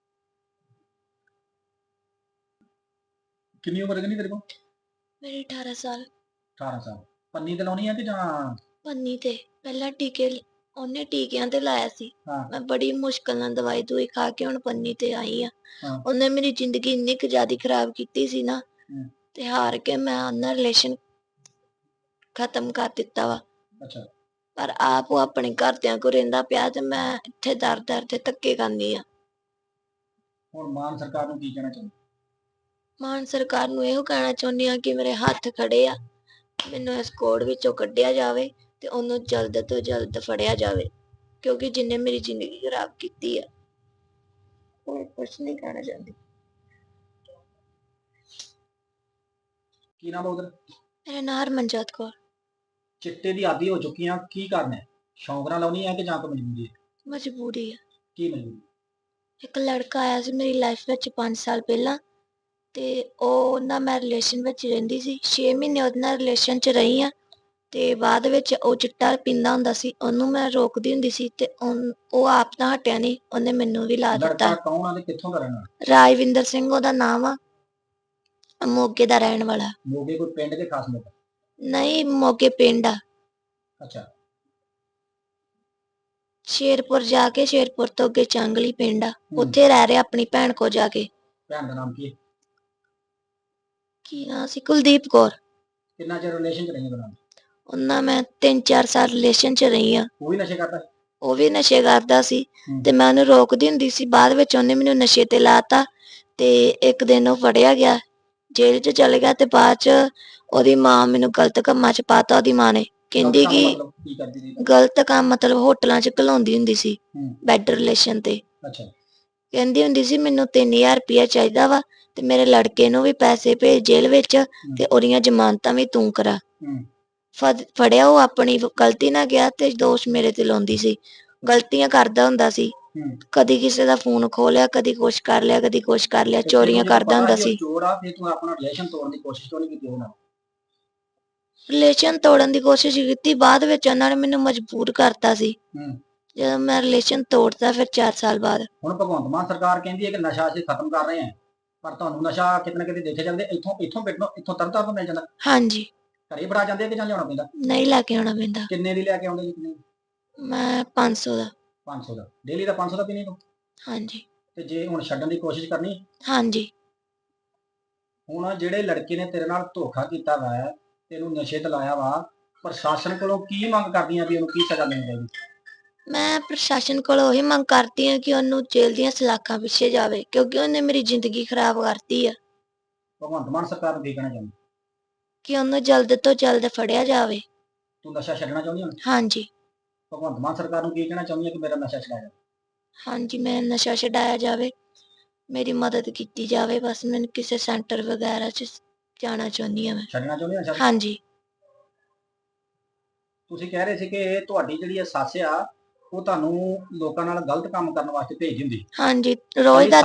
A: ਕਿੰਨੀ ਉਮਰ ਕਿੰਨੀ ਤੇਰੇ ਕੋਲ?
B: ਮੇਰੀ 18 ਸਾਲ।
A: 18 ਸਾਲ। ਪੰਨੀ ਤੇ ਲਾਉਣੀ ਆ ਕਿ ਜਾਂ?
B: ਪੰਨੀ ਤੇ। ਪਹਿਲਾਂ ਉਹਨੇ ਟੀਕਿਆਂ ਤੇ ਲਾਇਆ ਸੀ।
A: ਹਾਂ
B: ਮੈਂ ਬੜੀ ਮੁਸ਼ਕਲ ਨਾਲ ਦਵਾਈ ਦੂਈ ਖਾ ਕੇ ਹੁਣ ਪੰਨੀ ਤੇ ਆਈ ਆ।
A: ਹਾਂ।
B: ਉਹਨੇ ਮੇਰੀ ਜ਼ਿੰਦਗੀ ਇੰਨੀ ਕੁ ਜ਼ਿਆਦਾ ਖਰਾਬ ਕੀਤੀ ਸੀ ਨਾ,
A: ਹੂੰ,
B: ਤੇ ਹਾਰ ਕੇ ਮੈਂ ਉਹਨਾਂ ਰਿਲੇਸ਼ਨ ਖਤਮ ਕਰ ਦਿੱਤਾ ਵਾ।
A: ਅੱਛਾ।
B: ਪਰ ਆਪ ਉਹ ਆਪਣੇ ਘਰਦਿਆਂ ਕੋਲ ਰਹਿੰਦਾ ਪਿਆ ਤੇ ਮੈਂ ਇੱਥੇ ਦਰ-ਦਰ ਤੇ ਧੱਕੇ ਖਾਂਦੀ ਆ।
A: ਹੁਣ ਮਾਨ ਸਰਕਾਰ ਨੂੰ ਕੀ ਕਹਿਣਾ ਚਾਹੁੰਦੀ?
B: ਮਾਨ ਸਰਕਾਰ ਨੂੰ ਇਹੋ ਕਹਿਣਾ ਚਾਹੁੰਦੀ ਆ ਕਿ ਮੇਰੇ ਹੱਥ ਖੜੇ ਆ, ਮੈਨੂੰ ਇਸ ਕੋੜ ਵਿੱਚੋਂ ਕੱਢਿਆ ਜਾਵੇ ਤੇ ਉਹਨੂੰ ਜਲਦ ਤੋਂ ਜਲਦ ਫੜਿਆ ਜਾਵੇ, ਕਿਉਂਕਿ ਜਿਹਨੇ ਮੇਰੀ ਜ਼ਿੰਦਗੀ ਖਰਾਬ ਕੀਤੀ ਆ। ਹੋਰ ਕੁਛ ਨਹੀਂ ਕਹਿਣਾ ਚਾਹੁੰਦੀ।
A: ਕੀ ਨਾਮ ਉਹਦਾ?
B: ਮੇਰਾ ਨਾਂ ਹਰਮਨਜੋਤ ਕੌਰ।
A: ਚਿੱਟੇ ਦੀ ਆਦੀ ਹੋ ਚੁੱਕੀਆਂ, ਕੀ ਕਰਨਾ ਹੈ? ਸ਼ੌਂਕ ਨਾਲ ਲਾਉਣੀ ਹੈ ਕਿ ਜਾਂ ਕੋਈ ਮਜਬੂਰੀ ਹੈ?
B: ਮਜਬੂਰੀ ਆ।
A: ਕੀ ਮਜਬੂਰੀ?
B: ਇੱਕ ਲੜਕਾ ਆਇਆ ਸੀ ਮੇਰੀ ਲਾਈਫ ਵਿੱਚ 5 ਸਾਲ ਪਹਿਲਾਂ, ਤੇ ਉਹ ਨਾਲ ਮੈਂ ਰਿਲੇਸ਼ਨ ਵਿੱਚ ਰਹਿੰਦੀ ਸੀ। 6 ਮਹੀਨੇ ਉਹਦੇ ਨਾਲ ਰਿਲੇਸ਼ਨ 'ਚ ਰਹੀ ਆ, ਤੇ ਬਾਅਦ ਵਿੱਚ ਉਹ ਚਿੱਟਾ ਪੀਂਦਾ ਹੁੰਦਾ ਸੀ, ਉਹਨੂੰ ਮੈਂ ਰੋਕਦੀ ਹੁੰਦੀ ਸੀ ਤੇ ਉਹ ਆਪ ਤਾਂ ਹਟਿਆ ਨਹੀਂ, ਉਹਨੇ ਮੈਨੂੰ ਵੀ ਲਾ ਦਿੱਤਾ।
A: ਲੜਕਾ ਕੌਣ ਆ ਤੇ ਕਿੱਥੋਂ ਦਾ ਰਹਿਣ ਵਾਲਾ?
B: ਰਾਜਵਿੰਦਰ ਸਿੰਘ ਉਹਦਾ ਨਾਮ ਆ, ਮੋਗੇ ਦਾ ਰਹਿਣ ਵਾਲਾ।
A: ਮੋਗੇ ਕੋਈ ਪਿੰਡ ਦੇ ਖਾਸ ਲੋਕ?
B: ਨਹੀਂ, ਮੋਗੇ ਪਿੰਡ ਆ।
A: ਅੱਛਾ।
B: ਸ਼ੇਰਪੁਰ ਜਾ ਕੇ, ਸ਼ੇਰਪੁਰ ਤੋਂ ਅੱਗੇ ਚਾਂਗਲੀ ਪਿੰਡ ਆ, ਉੱਥੇ ਰਹਿ ਰਿਹਾ ਆਪਣੀ ਭੈਣ ਕੋ ਜਾ ਕੇ।
A: ਭੈਣ ਦਾ ਨਾਮ ਕੀ ਹੈ?
B: ਕੀ ਨਾਂ ਸੀ? ਕੁਲਦੀਪ ਕੌਰ।
A: ਕਿੰਨਾ ਚਿਰ ਰਿਲੇਸ਼ਨ ਚ ਰਹੀਆਂ ਦੋਨਾਂ?
B: ਉਹਨਾਂ ਮੈਂ 3-4 ਸਾਲ ਰਿਲੇਸ਼ਨ ਚ ਰਹੀ ਆ।
A: ਉਹ ਵੀ ਨਸ਼ੇ ਕਰਦਾ?
B: ਉਹ ਵੀ ਨਸ਼ੇ ਕਰਦਾ ਸੀ ਤੇ ਮੈਂ ਉਹਨੂੰ ਰੋਕਦੀ ਹੁੰਦੀ ਸੀ, ਬਾਅਦ ਵਿੱਚ ਉਹਨੇ ਮੈਨੂੰ ਨਸ਼ੇ ਤੇ ਲਾਤਾ ਤੇ ਇੱਕ ਦਿਨ ਉਹ ਫੜਿਆ ਗਿਆ, ਜੇਲ੍ਹ 'ਚ ਚਲੇ ਗਿਆ ਤੇ ਬਾਅਦ 'ਚ ਉਹਦੀ ਮਾਂ ਮੈਨੂੰ ਗਲਤ ਕੰਮਾਂ 'ਚ ਪਾਤਾ। ਉਹਦੀ ਮਾਂ ਨੇ ਕਹਿੰਦੀ ਕਿ ਗਲਤ ਕੰਮ ਮਤਲਬ ਹੋਟਲਾਂ 'ਚ ਘਲਾਉਂਦੀ ਹੁੰਦੀ ਸੀ, ਬੈਡ ਰਿਲੇਸ਼ਨ ਤੇ। ਕਹਿੰਦੀ ਹੁੰਦੀ ਸੀ ਮੈਨੂੰ 3000 ਰੁਪਇਆ ਚਾਹੀਦਾ ਵਾ ਤੇ ਮੇਰੇ ਲੜਕੇ ਨੂੰ ਵੀ ਪੈਸੇ ਭੇਜ ਜੇਲ੍ਹ ਵਿੱਚ ਤੇ ਉਹਦੀਆਂ ਜ਼ਮਾਨਤਾਂ ਵੀ ਤੂੰ ਕਰਾ। ਫੜਿਆ ਉਹ ਆਪਣੀ ਗਲਤੀ ਨਾਲ ਗਿਆ ਤੇ ਦੋਸ਼ ਮੇਰੇ ਤੇ ਲਾਉਂਦੀ ਸੀ। ਗਲਤੀਆਂ ਕਰਦਾ ਹੁੰਦਾ ਸੀ, ਕਦੀ ਕਿਸੇ ਦਾ ਫੋਨ ਖੋਹ ਲਿਆ, ਕਦੀ ਕੁਛ ਕਰ ਲਿਆ, ਕਦੀ ਕੁਛ ਕਰ ਲਿਆ, ਚੋਰੀਆਂ ਕਰਦਾ ਹੁੰਦਾ ਸੀ। ਰਿਲੇਸ਼ਨ ਤੋੜਨ ਦੀ ਕੋਸ਼ਿਸ਼ ਕੀਤੀ, ਬਾਅਦ ਵਿੱਚ ਉਹਨਾਂ ਨੇ ਮੈਨੂੰ ਮਜਬੂਰ ਕਰਤਾ ਸੀ। ਜਦੋਂ ਮੈਂ ਰਿਲੇਸ਼ਨ ਤੋੜਤਾ ਫਿਰ 4 ਸਾਲ ਬਾਅਦ।
A: ਹੁਣ ਭਗਵੰਤ ਮਾਨ ਸਰਕਾਰ ਕਹਿੰਦੀ ਹੈ ਕਿ ਨਸ਼ਾ ਅਸੀਂ ਖਤਮ ਕਰ ਰਹੇ ਹਾਂ, ਪਰ ਤੁਹਾਨੂੰ ਨਸ਼ਾ ਕਿਤੇ ਨਾ ਕਿਤੇ ਦੇਖੇ ਜਾਂਦੇ ਇੱਥੋਂ ਤਰਨਤਾਰਨ ਤੋਂ ਮਿਲ ਜਾਂਦਾ?
B: ਹਾਂਜੀ।
A: ਘਰੇ ਬੜਾ ਜਾਂਦੇ ਕਿ ਜਾਂ ਲਿਆਉਣਾ ਪੈਂਦਾ?
B: ਨਹੀਂ, ਲੈ ਕੇ ਆਉਣਾ ਪੈਂਦਾ।
A: ਕਿੰਨੇ ਦੀ ਲੈ ਕੇ ਆਉਂਦੇ ਜੀ? ਕਿੰਨੇ?
B: ਮੈਂ 500 ਦਾ।
A: 500 ਦਾ ਡੇਲੀ ਦਾ? 500 ਦਾ ਪੀਣੀ ਤੂੰ?
B: ਹਾਂਜੀ।
A: ਤੇ ਜੇ ਹੁਣ ਛੱਡਣ ਦੀ ਕੋਸ਼ਿਸ਼ ਕਰਨੀ?
B: ਹਾਂਜੀ।
A: ਹੁਣ ਜਿਹੜੇ ਲੜਕੇ ਨੇ ਤੇਰੇ ਨਾਲ ਧੋਖਾ ਕੀਤਾ ਵਾ, ਤੈਨੂੰ ਨਸ਼ੇ ਤੇ ਲਾਇਆ ਵਾ, ਪ੍ਰਸ਼ਾਸਨ ਕੋਲੋਂ ਕੀ ਮੰਗ ਕਰਦੀਆਂ ਵੀ ਉਹਨੂੰ ਕੀ ਸਜ਼ਾ ਮਿਲਣੀ ਚਾਹੀਦੀ?
B: ਮੈਂ ਪ੍ਰਸ਼ਾਸਨ ਕੋਲੋਂ ਇਹ ਮੰਗ ਕਰਦੀ ਹਾਂ ਕਿ ਉਹਨੂੰ ਜੇਲ੍ਹ ਦੀਆਂ ਸਲਾਖਾਂ ਪਿੱਛੇ ਜਾਵੇ, ਕਿਉਂਕਿ ਉਹਨੇ ਮੇਰੀ ਜ਼ਿੰਦਗੀ ਖਰਾਬ ਕਰਤੀ ਆ।
A: ਭਗਵੰਤ ਮਾਨ ਸਰਕਾਰ ਨੂੰ ਕੀ ਕਹਿਣਾ ਚਾਹੁੰਦੀ?
B: ਕਿ ਉਹਨੂੰ ਜਲਦ ਤੋਂ ਜਲਦ ਫੜਿਆ ਜਾਵੇ।
A: ਤੂੰ ਨਸ਼ਾ ਛੱਡਣਾ ਚਾਹੁੰਦੀ ਹੁਣ?
B: ਹਾਂਜੀ।
A: ਭਗਵੰਤ ਮਾਨ ਸਰਕਾਰ ਨੂੰ ਕੀ ਕਹਿਣਾ ਚਾਹੁੰਦੀ ਹੈ ਕਿ ਮੇਰਾ ਨਸ਼ਾ ਛੁਡਾਇਆ ਜਾਵੇ?
B: ਹਾਂਜੀ, ਮੈਂ ਨਸ਼ਾ ਛਡਾਇਆ ਜਾਵੇ, ਮੇਰੀ ਮਦਦ ਕੀਤੀ ਜਾਵੇ। ਬਸ ਮੈਨੂੰ ਕਿਸੇ ਸੈਂਟਰ ਵਗੈਰਾ 'ਚ ਜਾਣਾ ਚਾਹੁੰਦੀ ਹਾਂ ਮੈਂ।
A: ਛੱਡਣਾ ਚਾਹੁੰਦੀ ਹਾਂ?
B: ਹਾਂਜੀ।
A: ਤੁਸੀਂ ਕਹਿ ਰਹੇ ਸੀ ਕਿ ਤੁਹਾਡੀ ਜਿਹੜੀ ਇਹ ਸੱਸ ਆ, ਉਹ ਤੁਹਾਨੂੰ ਲੋਕਾਂ ਨਾਲ ਗਲਤ ਕੰਮ ਕਰਨ ਵਾਸਤੇ ਭੇਜਦੀ ਹੁੰਦੀ?
B: ਹਾਂਜੀ, ਰੋਜ਼ ਦਾ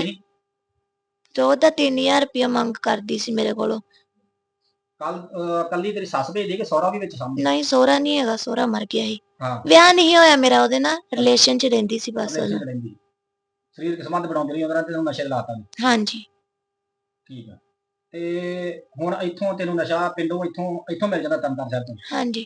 B: 3000 ਰੁਪਇਆ ਮੰਗ ਕਰਦੀ ਸੀ ਮੇਰੇ ਕੋਲੋਂ।
A: ਕੱਲੀ ਤੇਰੀ ਸੱਸ ਭੇਜਦੀ ਕਿ ਸਹੁਰਾ ਵੀ ਵਿੱਚ ਸਾਹਮਣੇ?
B: ਨਹੀਂ, ਸਹੁਰਾ ਨਹੀਂ ਹੈਗਾ, ਸਹੁਰਾ ਮਰ ਗਿਆ ਸੀ। ਵਿਆਹ ਨਹੀਂ ਹੋਇਆ ਮੇਰਾ ਉਹਦੇ ਨਾਲ, ਰਿਲੇਸ਼ਨ 'ਚ ਰਹਿੰਦੀ ਸੀ ਬਸ ਉਹਨੂੰ।
A: ਸਰੀਰਕ ਸੰਬੰਧ ਬਣਾਉਂਦੀ ਰਹੀ ਉਹਦੇ ਨਾਲ ਤੇ ਤੈਨੂੰ ਨਸ਼ੇ ਲਾਤਾ?
B: ਹਾਂਜੀ।
A: ਠੀਕ ਆ। ਤੇ ਹੁਣ ਇੱਥੋਂ ਤੈਨੂੰ ਨਸ਼ਾ ਪਿੰਡੋਂ ਇੱਥੋਂ ਮਿਲ ਜਾਂਦਾ ਤਰਨਤਾਰਨ ਸਾਹਿਬ ਤੋਂ?
B: ਹਾਂਜੀ।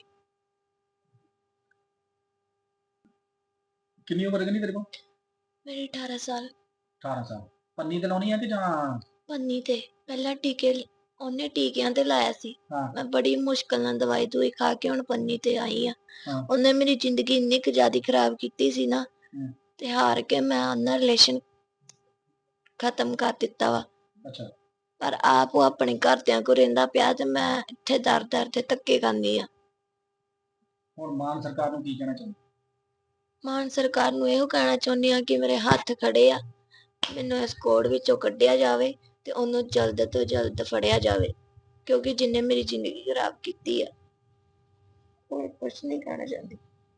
A: ਕਿੰਨੀ ਉਮਰ ਕਿੰਨੀ ਤੇਰੇ ਕੋਲ?
B: ਮੇਰੀ 18 ਸਾਲ।
A: 18 ਸਾਲ। ਪੰਨੀ ਤੇ ਲਾਉਣੀ ਆ ਕਿ ਜਾਂ?
B: ਪੰਨੀ ਤੇ ਪਹਿਲਾਂ ਉਹਨੇ ਟੀਕਿਆਂ ਤੇ ਲਾਇਆ ਸੀ। ਮੈਂ ਬੜੀ ਮੁਸ਼ਕਲ ਨਾਲ ਦਵਾਈ ਦੂਈ ਖਾ ਕੇ ਹੁਣ ਪੰਨੀ ਤੇ ਆਈ ਆ। ਉਹਨੇ ਮੇਰੀ ਜ਼ਿੰਦਗੀ ਇੰਨੀ ਕੁ ਜ਼ਿਆਦਾ ਖਰਾਬ ਕੀਤੀ ਸੀ ਨਾ, ਤੇ ਹਾਰ ਕੇ ਮੈਂ ਉਹਨਾਂ ਰਿਲੇਸ਼ਨ ਖਤਮ ਕਰ ਦਿੱਤਾ ਵਾ। ਪਰ ਆਪ ਉਹ ਆਪਣੇ ਘਰਦਿਆਂ ਕੋਲ ਰਹਿੰਦਾ ਪਿਆ ਤੇ ਮੈਂ ਇੱਥੇ ਦਰ ਤੇ ਧੱਕੇ ਖਾਂਦੀ ਆ।
A: ਹੁਣ ਮਾਨ ਸਰਕਾਰ ਨੂੰ ਕੀ ਕਹਿਣਾ ਚਾਹੁੰਦੀ?
B: ਮਾਨ ਸਰਕਾਰ ਨੂੰ ਇਹੋ ਕਹਿਣਾ ਚਾਹੁੰਦੀ ਆ ਕਿ ਮੇਰੇ ਹੱਥ ਖੜੇ ਆ, ਮੈਨੂੰ ਇਸ ਕੋੜ ਵਿੱਚੋਂ ਕੱਢਿਆ ਜਾਵੇ ਤੇ ਉਹਨੂੰ ਜਲਦ ਤੋਂ ਜਲਦ ਫੜਿਆ ਜਾਵੇ, ਕਿਉਂਕਿ ਜਿੰਨੇ ਮੇਰੀ ਜ਼ਿੰਦਗੀ ਖਰਾਬ ਕੀਤੀ ਆ। ਹੋਰ ਕੁਛ ਨਹੀਂ ਕਹਿਣਾ ਚਾਹੁੰਦੀ।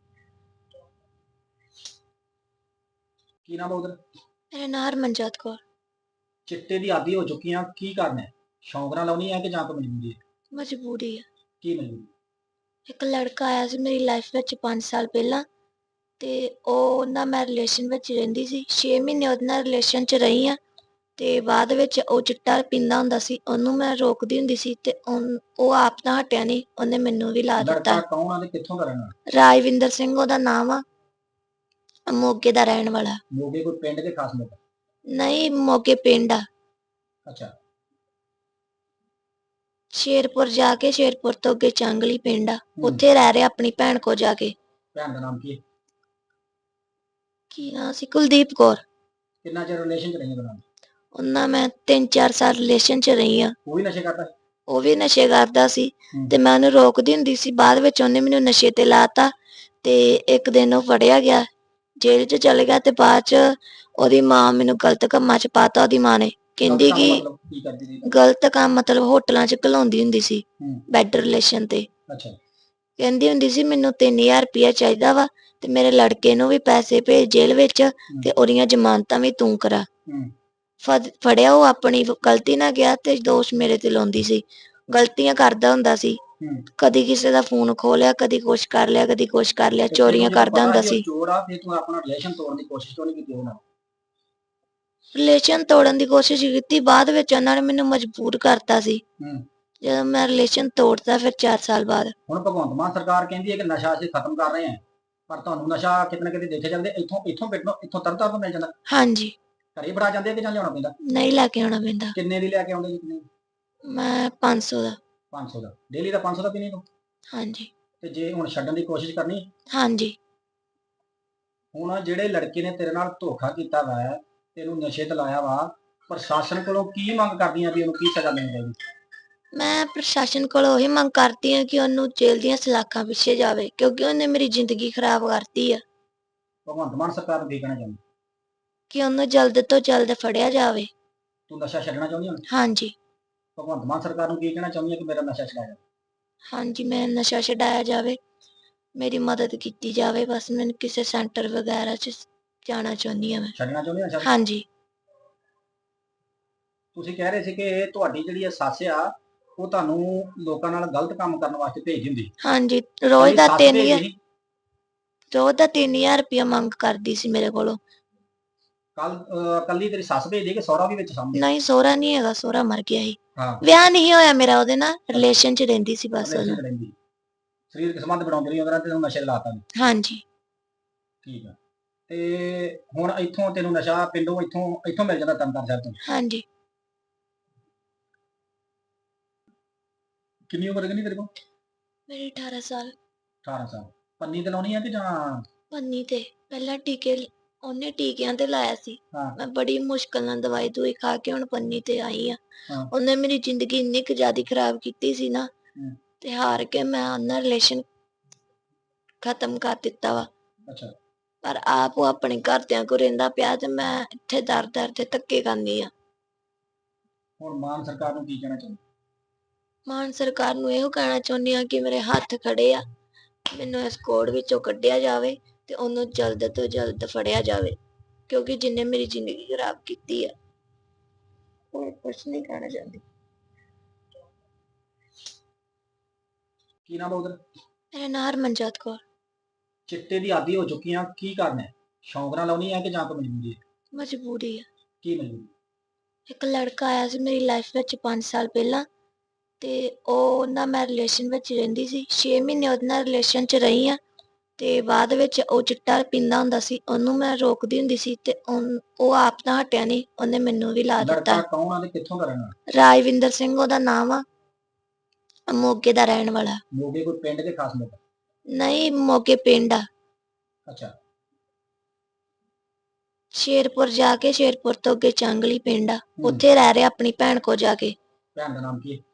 A: ਕੀ ਨਾਮ ਹੈ ਉਹਦਾ?
B: ਮੇਰਾ ਨਾਮ ਹਰਮਨਜੋਤ ਕੌਰ।
A: ਚਿੱਟੇ ਦੀ ਆਦੀ ਹੋ ਚੁੱਕੀਆਂ, ਕੀ ਕਰਨਾ? ਸ਼ੌਂਕ ਨਾਲ ਲਾਉਣੀ ਹੈ ਕਿ ਜਾਂ ਕੋਈ ਮਜਬੂਰੀ ਹੈ?
B: ਮਜਬੂਰੀ ਆ।
A: ਕੀ ਮਜਬੂਰੀ?
B: ਇੱਕ ਲੜਕਾ ਆਇਆ ਸੀ ਮੇਰੀ ਲਾਈਫ ਵਿੱਚ 5 ਸਾਲ ਪਹਿਲਾਂ, ਤੇ ਉਹ ਨਾਲ ਮੈਂ ਰਿਲੇਸ਼ਨ ਵਿੱਚ ਰਹਿੰਦੀ ਸੀ। 6 ਮਹੀਨੇ ਉਹਦੇ ਨਾਲ ਰਿਲੇਸ਼ਨ 'ਚ ਰਹੀ ਆ ਤੇ ਬਾਅਦ ਵਿੱਚ ਉਹ ਚਿੱਟਾ ਪੀਂਦਾ ਹੁੰਦਾ ਸੀ, ਉਹਨੂੰ ਮੈਂ ਰੋਕਦੀ ਹੁੰਦੀ ਸੀ ਤੇ ਉਹ ਆਪ ਤਾਂ ਹਟਿਆ ਨਹੀਂ, ਉਹਨੇ ਮੈਨੂੰ ਵੀ ਲਾ ਦਿੱਤਾ।
A: ਲੜਕਾ ਕੌਣ ਆ ਤੇ ਕਿੱਥੋਂ ਦਾ ਰਹਿਣ ਵਾਲਾ?
B: ਰਾਜਵਿੰਦਰ ਸਿੰਘ ਉਹਦਾ ਨਾਮ ਆ, ਮੋਗੇ ਦਾ ਰਹਿਣ ਵਾਲਾ।
A: ਮੋਗੇ ਕੋਈ ਪਿੰਡ ਦੇ ਖਾਸ ਲੋਕ?
B: ਨਹੀਂ, ਮੋਗੇ ਪਿੰਡ ਆ।
A: ਅੱਛਾ।
B: ਸ਼ੇਰਪੁਰ ਜਾ ਕੇ, ਸ਼ੇਰਪੁਰ ਤੋਂ ਅੱਗੇ ਚਾਂਗਲੀ ਪਿੰਡ ਆ, ਉੱਥੇ ਰਹਿ ਰਿਹਾ ਆਪਣੀ ਭੈਣ ਕੋ ਜਾ ਕੇ।
A: ਭੈਣ ਦਾ ਨਾਮ ਕੀ ਹੈ?
B: ਕੀ ਨਾਂ ਸੀ? ਕੁਲਦੀਪ ਕੌਰ।
A: ਕਿੰਨਾ ਚਿਰ ਰਿਲੇਸ਼ਨ ਚ ਰਹੀਆਂ ਦੋਨਾਂ?
B: ਉਹਨਾਂ ਮੈਂ 3-4 ਸਾਲ ਰਿਲੇਸ਼ਨ 'ਚ ਰਹੀ ਆ।
A: ਉਹ ਵੀ ਨਸ਼ੇ ਕਰਦਾ?
B: ਉਹ ਵੀ ਨਸ਼ੇ ਕਰਦਾ ਸੀ ਤੇ ਮੈਂ ਉਹਨੂੰ ਰੋਕਦੀ ਹੁੰਦੀ ਸੀ, ਬਾਅਦ ਵਿੱਚ ਉਹਨੇ ਮੈਨੂੰ ਨਸ਼ੇ ਤੇ ਲਾਤਾ ਤੇ ਇੱਕ ਦਿਨ ਉਹ ਫੜਿਆ ਗਿਆ, ਜੇਲ੍ਹ 'ਚ ਚਲੇ ਗਿਆ ਤੇ ਬਾਅਦ 'ਚ ਉਹਦੀ ਮਾਂ ਮੈਨੂੰ ਗਲਤ ਕੰਮਾਂ 'ਚ ਪਾਤਾ। ਉਹਦੀ ਮਾਂ ਨੇ ਕਹਿੰਦੀ ਕਿ ਗਲਤ ਕੰਮ ਮਤਲਬ ਹੋਟਲਾਂ 'ਚ ਘਲਾਉਂਦੀ ਹੁੰਦੀ ਸੀ, ਬੈਡ ਰਿਲੇਸ਼ਨ ਤੇ। ਕਹਿੰਦੀ ਹੁੰਦੀ ਸੀ ਮੈਨੂੰ 3000 ਰੁਪਇਆ ਚਾਹੀਦਾ ਵਾ ਤੇ ਮੇਰੇ ਲੜਕੇ ਨੂੰ ਵੀ ਪੈਸੇ ਭੇਜ ਜੇਲ੍ਹ ਵਿੱਚ ਤੇ ਉਹਦੀਆਂ ਜ਼ਮਾਨਤਾਂ ਵੀ ਤੂੰ ਕਰਾ। ਫੜਿਆ ਉਹ ਆਪਣੀ ਗਲਤੀ ਨਾਲ ਗਿਆ ਤੇ ਦੋਸ਼ ਮੇਰੇ ਤੇ ਲਾਉਂਦੀ ਸੀ। ਗਲਤੀਆਂ ਕਰਦਾ ਹੁੰਦਾ ਸੀ,
A: ਹੂੰ।
B: ਕਦੀ ਕਿਸੇ ਦਾ ਫੋਨ ਖੋਹ ਲਿਆ, ਕਦੀ ਕੁਛ ਕਰ ਲਿਆ, ਕਦੀ ਕੁਛ ਕਰ ਲਿਆ,
A: ਤੇ ਤੈਨੂੰ
B: ਚੋਰੀਆਂ
A: ਜਦੋਂ
B: ਕਰਦਾ
A: ਪਤਾ
B: ਹੁੰਦਾ
A: ਸੀ ਉਹ
B: ਸੀ।
A: ਚੋਰ ਆ, ਫਿਰ ਤੂੰ ਆਪਣਾ ਰਿਲੇਸ਼ਨ ਤੋੜਨ ਦੀ ਕੋਸ਼ਿਸ਼ ਕਿਉਂ ਨਹੀਂ ਕੀਤੀ ਉਹਦੇ ਨਾਲ?
B: ਰਿਲੇਸ਼ਨ ਤੋੜਨ ਦੀ ਕੋਸ਼ਿਸ਼ ਕੀਤੀ, ਬਾਅਦ ਵਿੱਚ ਉਹਨਾਂ ਨੇ ਮੈਨੂੰ ਮਜਬੂਰ ਕਰਤਾ ਸੀ।
A: ਹੂੰ।
B: ਜਦੋਂ ਮੈਂ ਰਿਲੇਸ਼ਨ ਤੋੜਤਾ ਫਿਰ 4 ਸਾਲ ਬਾਅਦ।
A: ਹੁਣ ਭਗਵੰਤ ਮਾਨ ਸਰਕਾਰ ਕਹਿੰਦੀ ਹੈ ਕਿ ਨਸ਼ਾ ਅਸੀਂ ਖਤਮ ਕਰ ਰਹੇ ਹਾਂ, ਪਰ ਤੁਹਾਨੂੰ ਨਸ਼ਾ ਕਿਤੇ ਨਾ ਕਿਤੇ ਦੇਖੇ ਜਾਂਦੇ ਇੱਥੋਂ ਤਰਤਾਂ ਤੋਂ ਮਿਲ ਜਾਂਦਾ,
B: ਹਾਂਜੀ,
A: ਘਰੇ ਬੜਾ ਜਾਂਦੇ ਆ ਕਿ ਜਾਂ ਲਿਆਉਣਾ ਪੈਂਦਾ?
B: ਨਹੀਂ ਲੈ ਕੇ ਆਉਣਾ ਪੈਂਦਾ।
A: ਕਿੰਨੇ ਦੀ ਲੈ ਕੇ ਆਉਂਦੇ ਜੀ? ਕਿੰਨੇ?
B: ਮੈਂ 500 ਦਾ।
A: 500 ਦਾ ਡੇਲੀ ਦਾ? 500 ਦਾ ਪੀਣੀ ਤੂੰ?
B: ਹਾਂਜੀ,
A: ਤੇ ਜੇ ਹੁਣ ਛੱਡਣ ਦੀ ਕੋਸ਼ਿਸ਼ ਕਰਨੀ,
B: ਹਾਂਜੀ।
A: ਹੁਣ ਜਿਹੜੇ ਲੜਕੇ ਨੇ ਤੇਰੇ ਨਾਲ ਧੋਖਾ ਕੀਤਾ ਵਾ, ਤੈਨੂੰ ਨਸ਼ੇ ਤੇ ਲਾਇਆ ਵਾ, ਪ੍ਰਸ਼ਾਸਨ ਕੋਲੋਂ ਕੀ ਮੰਗ ਕਰਦੀਆਂ ਵੀ ਉਹਨੂੰ ਕੀ ਸਜ਼ਾ ਮਿਲਣੀ ਚਾਹੀਦੀ?
B: ਮੈਂ ਪ੍ਰਸ਼ਾਸਨ ਕੋਲੋਂ ਇਹੀ ਮੰਗ ਕਰਦੀ ਹਾਂ ਕਿ ਉਹਨੂੰ ਜੇਲ੍ਹ ਦੀਆਂ ਸਲਾਖਾਂ ਪਿੱਛੇ ਜਾਵੇ, ਕਿਉਂਕਿ ਉਹਨੇ ਮੇਰੀ ਜ਼ਿੰਦਗੀ ਖਰਾਬ ਕਰਤੀ ਆ।
A: ਭਗਵੰਤ ਮਾਨ ਸਰਕਾਰ ਨੂੰ ਕੀ ਕਹਿਣਾ ਚਾਹੁੰਦੀ?
B: ਕਿ ਉਹਨੂੰ ਜਲਦ ਤੋਂ ਜਲਦ ਫੜਿਆ ਜਾਵੇ।
A: ਤੂੰ ਨਸ਼ਾ ਛੱਡਣਾ ਚਾਹੁੰਦੀ ਹੁਣ?
B: ਹਾਂਜੀ,
A: ਭਗਵੰਤ ਮਾਨ ਸਰਕਾਰ ਨੂੰ ਕੀ ਕਹਿਣਾ ਚਾਹੁੰਦੀ ਹੈ ਕਿ ਮੇਰਾ ਨਸ਼ਾ ਛੁਡਾਇਆ ਜਾਵੇ?
B: ਹਾਂਜੀ, ਮੈਂ ਨਸ਼ਾ ਛਡਾਇਆ ਜਾਵੇ, ਮੇਰੀ ਮਦਦ ਕੀਤੀ ਜਾਵੇ। ਬਸ ਮੈਨੂੰ ਕਿਸੇ ਸੈਂਟਰ ਵਗੈਰਾ 'ਚ ਜਾਣਾ ਚਾਹੁੰਦੀ ਹਾਂ ਮੈਂ।
A: ਛੱਡਣਾ ਚਾਹੁੰਦੀ ਨਸ਼ਾ?
B: ਹਾਂਜੀ,
A: ਤੁਸੀਂ ਕਹਿ ਰਹੇ ਸੀ ਕਿ ਤੁਹਾਡੀ ਜਿਹੜੀ ਇਹ ਸੱਸ ਆ, ਉਹ ਤੁਹਾਨੂੰ ਲੋਕਾਂ ਨਾਲ ਗਲਤ ਕੰਮ ਕਰਨ ਵਾਸਤੇ ਭੇਜਦੀ ਹੁੰਦੀ।
B: ਹਾਂਜੀ।
A: ਤੇਰੀ ਸੱਸ ਭੇਜਦੀ ਸੀ?
B: ਰੋਜ਼ ਦਾ 3000 ਰੁਪਇਆ ਮੰਗ ਕਰਦੀ ਸੀ ਮੇਰੇ ਕੋਲੋਂ।
A: ਕੱਲੀ ਤੇਰੀ ਸੱਸ ਭੇਜਦੀ ਕਿ ਸਹੁਰਾ ਵੀ ਵਿੱਚ ਸਾਹਮਣੇ?
B: ਨਹੀਂ, ਸਹੁਰਾ ਨਹੀਂ ਹੈਗਾ, ਸਹੁਰਾ ਮਰ ਗਿਆ ਸੀ।
A: ਹਾਂ।
B: ਵਿਆਹ ਨਹੀਂ ਹੋਇਆ ਮੇਰਾ ਉਹਦੇ ਨਾਲ, ਰਿਲੇਸ਼ਨ 'ਚ ਰਹਿੰਦੀ ਸੀ ਬਸ
A: ਰਿਲੇਸ਼ਨ
B: ਉਹਨੂੰ।
A: ਚ ਰਹਿੰਦੀ, ਸਰੀਰਕ ਸੰਬੰਧ ਬਣਾਉਂਦੀ ਰਹੀ ਉਹਦੇ ਨਾਲ ਤੇ ਤੈਨੂੰ ਨਸ਼ੇ ਲਾਤਾ ਨੇ।
B: ਹਾਂਜੀ,
A: ਠੀਕ ਆ। ਤੇ ਹੁਣ ਇੱਥੋਂ ਤੈਨੂੰ ਨਸ਼ਾ ਪਿੰਡੋਂ ਇੱਥੋਂ ਮਿਲ ਜਾਂਦਾ, ਤਰਨਤਾਰਨ ਸਾਹਿਬ ਤੋਂ?
B: ਹਾਂਜੀ।
A: ਕਿੰਨੀ ਉਮਰ ਕਿੰਨੀ ਤੇਰੇ ਕੋਲ?
B: ਮੇਰੀ 18 ਸਾਲ।
A: 18 ਸਾਲ। ਪੰਨੀ ਤੇ ਲਾਉਣੀ ਆ ਕਿ ਜਾਂ?
B: ਪੰਨੀ ਤੇ ਪਹਿਲਾਂ ਉਹਨੇ ਟੀਕਿਆਂ ਤੇ ਲਾਇਆ ਸੀ।
A: ਹਾਂ।
B: ਮੈਂ ਬੜੀ ਮੁਸ਼ਕਲ ਨਾਲ ਦਵਾਈ ਦੂਈ ਖਾ ਕੇ ਹੁਣ ਪੰਨੀ ਤੇ ਆਈ ਆ।
A: ਹਾਂ।
B: ਉਹਨੇ ਮੇਰੀ ਜ਼ਿੰਦਗੀ ਇੰਨੀ ਕੁ ਜ਼ਿਆਦਾ ਖਰਾਬ ਕੀਤੀ ਸੀ ਨਾ,
A: ਹੂੰ।
B: ਤੇ ਹਾਰ ਕੇ ਮੈਂ ਉਹਨਾਂ ਰਿਲੇਸ਼ਨ ਖਤਮ ਕਰ ਦਿੱਤਾ ਵਾ।
A: ਅੱਛਾ।
B: ਪਰ ਆਪ ਉਹ ਆਪਣੇ ਘਰਦਿਆਂ ਕੋਲ ਰਹਿੰਦਾ ਪਿਆ ਤੇ ਮੈਂ ਇੱਥੇ ਦਰ ਤੇ ਧੱਕੇ ਖਾਂਦੀ ਆ।
A: ਹੁਣ ਮਾਨ ਸਰਕਾਰ ਨੂੰ ਕੀ ਕਹਿਣਾ ਚਾਹੁੰਦੀ?
B: ਮਾਨ ਸਰਕਾਰ ਨੂੰ ਇਹੋ ਕਹਿਣਾ ਚਾਹੁੰਦੀ ਆ ਕਿ ਮੇਰੇ ਹੱਥ ਖੜੇ ਆ, ਮੈਨੂੰ ਇਸ ਕੋੜ ਵਿੱਚੋਂ ਕੱਢਿਆ ਜਾਵੇ ਤੇ ਉਹਨੂੰ ਜਲਦ ਤੋਂ ਜਲਦ ਫੜਿਆ ਜਾਵੇ, ਕਿਉਂਕਿ ਜਿਹਨੇ ਮੇਰੀ ਜ਼ਿੰਦਗੀ ਖਰਾਬ ਕੀਤੀ ਆ। ਹੋਰ ਕੁਛ ਨਹੀਂ ਕਹਿਣਾ ਚਾਹੁੰਦੀ।
A: ਕੀ ਨਾਮ ਆ ਉਧਰ?
B: ਮੇਰਾ ਨਾਂ ਹਰਮਨਜੋਤ ਕੌਰ।
A: ਚਿੱਟੇ ਦੀ ਆਦੀ ਹੋ ਚੁੱਕੀਆਂ, ਕੀ ਕਰਨਾ ਹੈ? ਸ਼ੌਂਕ ਨਾਲ ਲਾਉਣੀ ਆ ਕਿ ਜਾਂ ਕੋਈ ਮਜਬੂਰੀ ਹੈ?
B: ਮਜਬੂਰੀ ਆ।
A: ਕੀ ਮਜਬੂਰੀ?
B: ਇੱਕ ਲੜਕਾ ਆਇਆ ਸੀ ਮੇਰੀ ਲਾਈਫ ਵਿੱਚ 5 ਸਾਲ ਪਹਿਲਾਂ, ਤੇ ਉਹ ਨਾਲ ਮੈਂ ਰਿਲੇਸ਼ਨ ਵਿੱਚ ਰਹਿੰਦੀ ਸੀ। 6 ਮਹੀਨੇ ਉਹਦੇ ਨਾਲ ਰਿਲੇਸ਼ਨ 'ਚ ਰਹੀ ਆ, ਤੇ ਬਾਅਦ ਵਿੱਚ ਉਹ ਚਿੱਟਾ ਪੀਂਦਾ ਹੁੰਦਾ ਸੀ, ਉਹਨੂੰ ਮੈਂ ਰੋਕਦੀ ਹੁੰਦੀ ਸੀ ਤੇ ਉਹ ਆਪ ਤਾਂ ਹਟਿਆ ਨਹੀਂ, ਉਹਨੇ ਮੈਨੂੰ ਵੀ ਲਾ ਦਿੱਤਾ।
A: ਲੜਕਾ ਕੌਣ ਆ ਤੇ ਕਿੱਥੋਂ ਦਾ ਰਹਿਣਾ?
B: ਰਾਜਵਿੰਦਰ ਸਿੰਘ ਉਹਦਾ ਨਾਮ ਆ, ਮੋਗੇ ਦਾ ਰਹਿਣ ਵਾਲਾ।
A: ਮੋਗੇ ਕੋਈ ਪਿੰਡ ਦੇ ਖਾਸ ਲੋਕ?
B: ਨਹੀਂ, ਮੋਗੇ ਪਿੰਡ ਆ।
A: ਅੱਛਾ।
B: ਸ਼ੇਰਪੁਰ ਜਾ ਕੇ, ਸ਼ੇਰਪੁਰ ਤੋਂ ਅੱਗੇ ਚਾਂਗਲੀ ਪਿੰਡ ਆ, ਉੱਥੇ ਰਹਿ ਰਿਹਾ ਆਪਣੀ ਭੈਣ ਕੋ ਜਾ ਕੇ।
A: ਭੈਣ ਦਾ ਨਾਮ ਕੀ ਹੈ?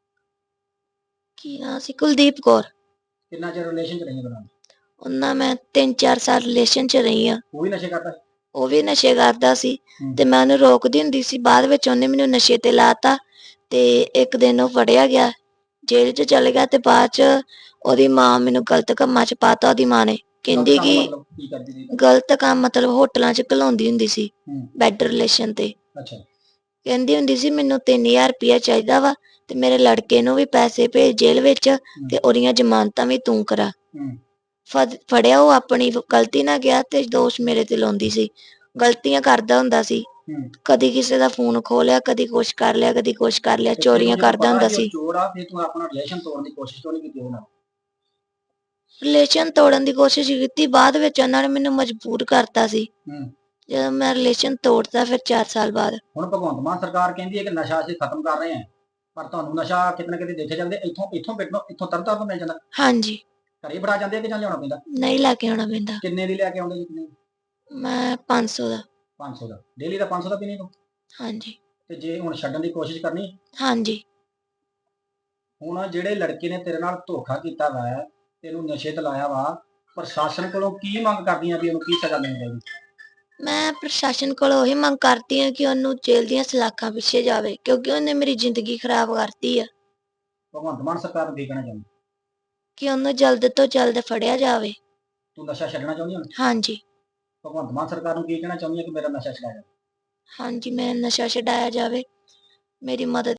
B: ਕੀ ਨਾਂ ਸੀ? ਕੁਲਦੀਪ ਕੌਰ।
A: ਕਿੰਨਾ ਚਿਰ ਰਿਲੇਸ਼ਨ ਚ ਰਹੀਆਂ ਦੋਨਾਂ?
B: ਉਹਨਾਂ ਮੈਂ 3-4 ਸਾਲ ਰਿਲੇਸ਼ਨ 'ਚ ਰਹੀ ਆ।
A: ਉਹ ਵੀ ਨਸ਼ੇ ਕਰਦਾ?
B: ਉਹ ਵੀ ਨਸ਼ੇ ਕਰਦਾ ਸੀ ਤੇ ਮੈਂ ਉਹਨੂੰ ਰੋਕਦੀ ਹੁੰਦੀ ਸੀ। ਬਾਅਦ ਵਿੱਚ ਉਹਨੇ ਮੈਨੂੰ ਨਸ਼ੇ ਤੇ ਲਾਤਾ ਤੇ ਇੱਕ ਦਿਨ ਉਹ ਫੜਿਆ ਗਿਆ, ਜੇਲ੍ਹ 'ਚ ਚਲੇ ਗਿਆ ਤੇ ਬਾਅਦ 'ਚ ਉਹਦੀ ਮਾਂ ਮੈਨੂੰ ਗਲਤ ਕੰਮਾਂ 'ਚ ਪਾਤਾ। ਉਹਦੀ ਮਾਂ ਨੇ ਕਹਿੰਦੀ ਕਿ
A: ਮਤਲਬ ਕੀ ਕਰਦੀ ਸੀ?
B: ਗਲਤ ਕੰਮ ਮਤਲਬ ਹੋਟਲਾਂ 'ਚ ਘਲਾਉਂਦੀ ਹੁੰਦੀ ਸੀ, ਬੈਡ ਰਿਲੇਸ਼ਨ ਤੇ।
A: ਅੱਛਾ।
B: ਕਹਿੰਦੀ ਹੁੰਦੀ ਸੀ ਮੈਨੂੰ 3000 ਰੁਪਇਆ ਚਾਹੀਦਾ ਵਾ ਤੇ ਮੇਰੇ ਲੜਕੇ ਨੂੰ ਵੀ ਪੈਸੇ ਭੇਜ ਜੇਲ੍ਹ ਵਿੱਚ ਤੇ ਉਹਦੀਆਂ ਜ਼ਮਾਨਤਾਂ ਵੀ ਤੂੰ ਕਰਾ। ਫੜਿਆ ਉਹ ਆਪਣੀ ਗਲਤੀ ਨਾਲ ਗਿਆ ਤੇ ਦੋਸ਼ ਮੇਰੇ ਤੇ ਲਾਉਂਦੀ ਸੀ। ਗਲਤੀਆਂ ਕਰਦਾ ਹੁੰਦਾ ਸੀ, ਕਦੀ ਕਿਸੇ ਦਾ ਫੋਨ ਖੋਹ ਲਿਆ, ਕਦੀ ਕੁਛ ਕਰ ਲਿਆ, ਕਦੀ ਕੁਛ ਕਰ ਲਿਆ, ਚੋਰੀਆਂ ਕਰਦਾ ਹੁੰਦਾ ਸੀ।
A: ਚੋਰ ਆ, ਫਿਰ ਤੂੰ ਆਪਣਾ ਰਿਲੇਸ਼ਨ ਤੋੜਨ ਦੀ ਕੋਸ਼ਿਸ਼ ਕਿਉਂ ਨਹੀਂ ਕੀਤੀ ਉਹਦੇ ਨਾਲ?
B: ਰਿਲੇਸ਼ਨ ਤੋੜਨ ਦੀ ਕੋਸ਼ਿਸ਼ ਕੀਤੀ, ਬਾਅਦ ਵਿੱਚ ਉਹਨਾਂ ਨੇ ਮੈਨੂੰ ਮਜਬੂਰ ਕਰਤਾ ਸੀ। ਜਦੋਂ ਮੈਂ ਰਿਲੇਸ਼ਨ ਤੋੜਤਾ ਫਿਰ 4 ਸਾਲ ਬਾਅਦ।
A: ਹੁਣ ਭਗਵੰਤ ਮਾਨ ਸਰਕਾਰ ਕਹਿੰਦੀ ਹੈ ਕਿ ਨਸ਼ਾ ਅਸੀਂ ਖਤਮ ਕਰ ਰਹੇ ਹਾਂ, ਪਰ ਤੁਹਾਨੂੰ ਨਸ਼ਾ ਕਿਤੇ ਨਾ ਕਿਤੇ ਦੇਖੇ ਜਾਂਦੇ ਇੱਥੋਂ ਤਰਤਾਂ ਤੋਂ ਮਿਲ ਜਾਂਦਾ।
B: ਹਾਂਜੀ।
A: ਘਰੇ ਬੜਾ ਜਾਂਦੇ ਆ ਕਿ ਜਾਂ ਲਿਆਉਣਾ ਪੈਂਦਾ?
B: ਨਹੀਂ ਲੈ ਕੇ ਆਉਣਾ ਪੈਂਦਾ।
A: ਕਿੰਨੇ ਦੀ ਲੈ ਕੇ ਆਉਂਦੇ ਜੀ? ਕਿੰਨੇ?
B: ਮੈਂ 500 ਦਾ।
A: 500 ਦਾ ਡੇਲੀ ਦਾ? 500 ਦਾ ਪੀਣੀ ਤੂੰ?
B: ਹਾਂਜੀ।
A: ਤੇ ਜੇ ਹੁਣ ਛੱਡਣ ਦੀ ਕੋਸ਼ਿਸ਼ ਕਰਨੀ?
B: ਹਾਂਜੀ।
A: ਹੁਣ ਜਿਹੜੇ ਲੜਕੇ ਨੇ ਤੇਰੇ ਨਾਲ ਧੋਖਾ ਕੀਤਾ ਵਾ, ਤੈਨੂੰ ਨਸ਼ੇ ਤੇ ਲਾਇਆ ਵਾ, ਪ੍ਰਸ਼ਾਸਨ ਕੋਲੋਂ ਕੀ ਮੰਗ ਕਰਦੀਆਂ ਵੀ ਉਹਨੂੰ ਕੀ ਸਜ਼ਾ ਮਿਲਣੀ ਚਾਹੀਦੀ?
B: ਮੈਂ ਪ੍ਰਸ਼ਾਸਨ ਕੋਲੋਂ ਇਹੀ ਮੰਗ ਕਰਦੀ ਹਾਂ ਕਿ ਉਹਨੂੰ ਜੇਲ੍ਹ ਦੀਆਂ ਸਲਾਖਾਂ ਪਿੱਛੇ ਜਾਵੇ, ਕਿਉਂਕਿ ਉਹਨੇ ਮੇਰੀ ਜ਼ਿੰਦਗੀ ਖਰਾਬ ਕਰਤੀ ਆ।
A: ਭਗਵੰਤ ਮਾਨ ਸਰਕਾਰ ਨੂੰ ਕੀ ਕਹਿਣਾ ਚਾਹੁੰਦੀ?
B: ਕਿ ਉਹਨੂੰ ਜਲਦ ਤੋਂ ਜਲਦ ਫੜਿਆ ਜਾਵੇ।
A: ਤੂੰ ਨਸ਼ਾ ਛੱਡਣਾ ਚਾਹੁੰਦੀ ਹੁਣ?
B: ਹਾਂਜੀ।
A: ਭਗਵੰਤ ਮਾਨ ਸਰਕਾਰ ਨੂੰ ਕੀ ਕਹਿਣਾ ਚਾਹੁੰਦੀ ਹੈ ਕਿ ਮੇਰਾ ਨਸ਼ਾ ਛੁਡਾਇਆ ਜਾਵੇ?
B: ਹਾਂਜੀ, ਮੈਂ ਨਸ਼ਾ ਛਡਾਇਆ ਜਾਵੇ, ਮੇਰੀ ਮਦਦ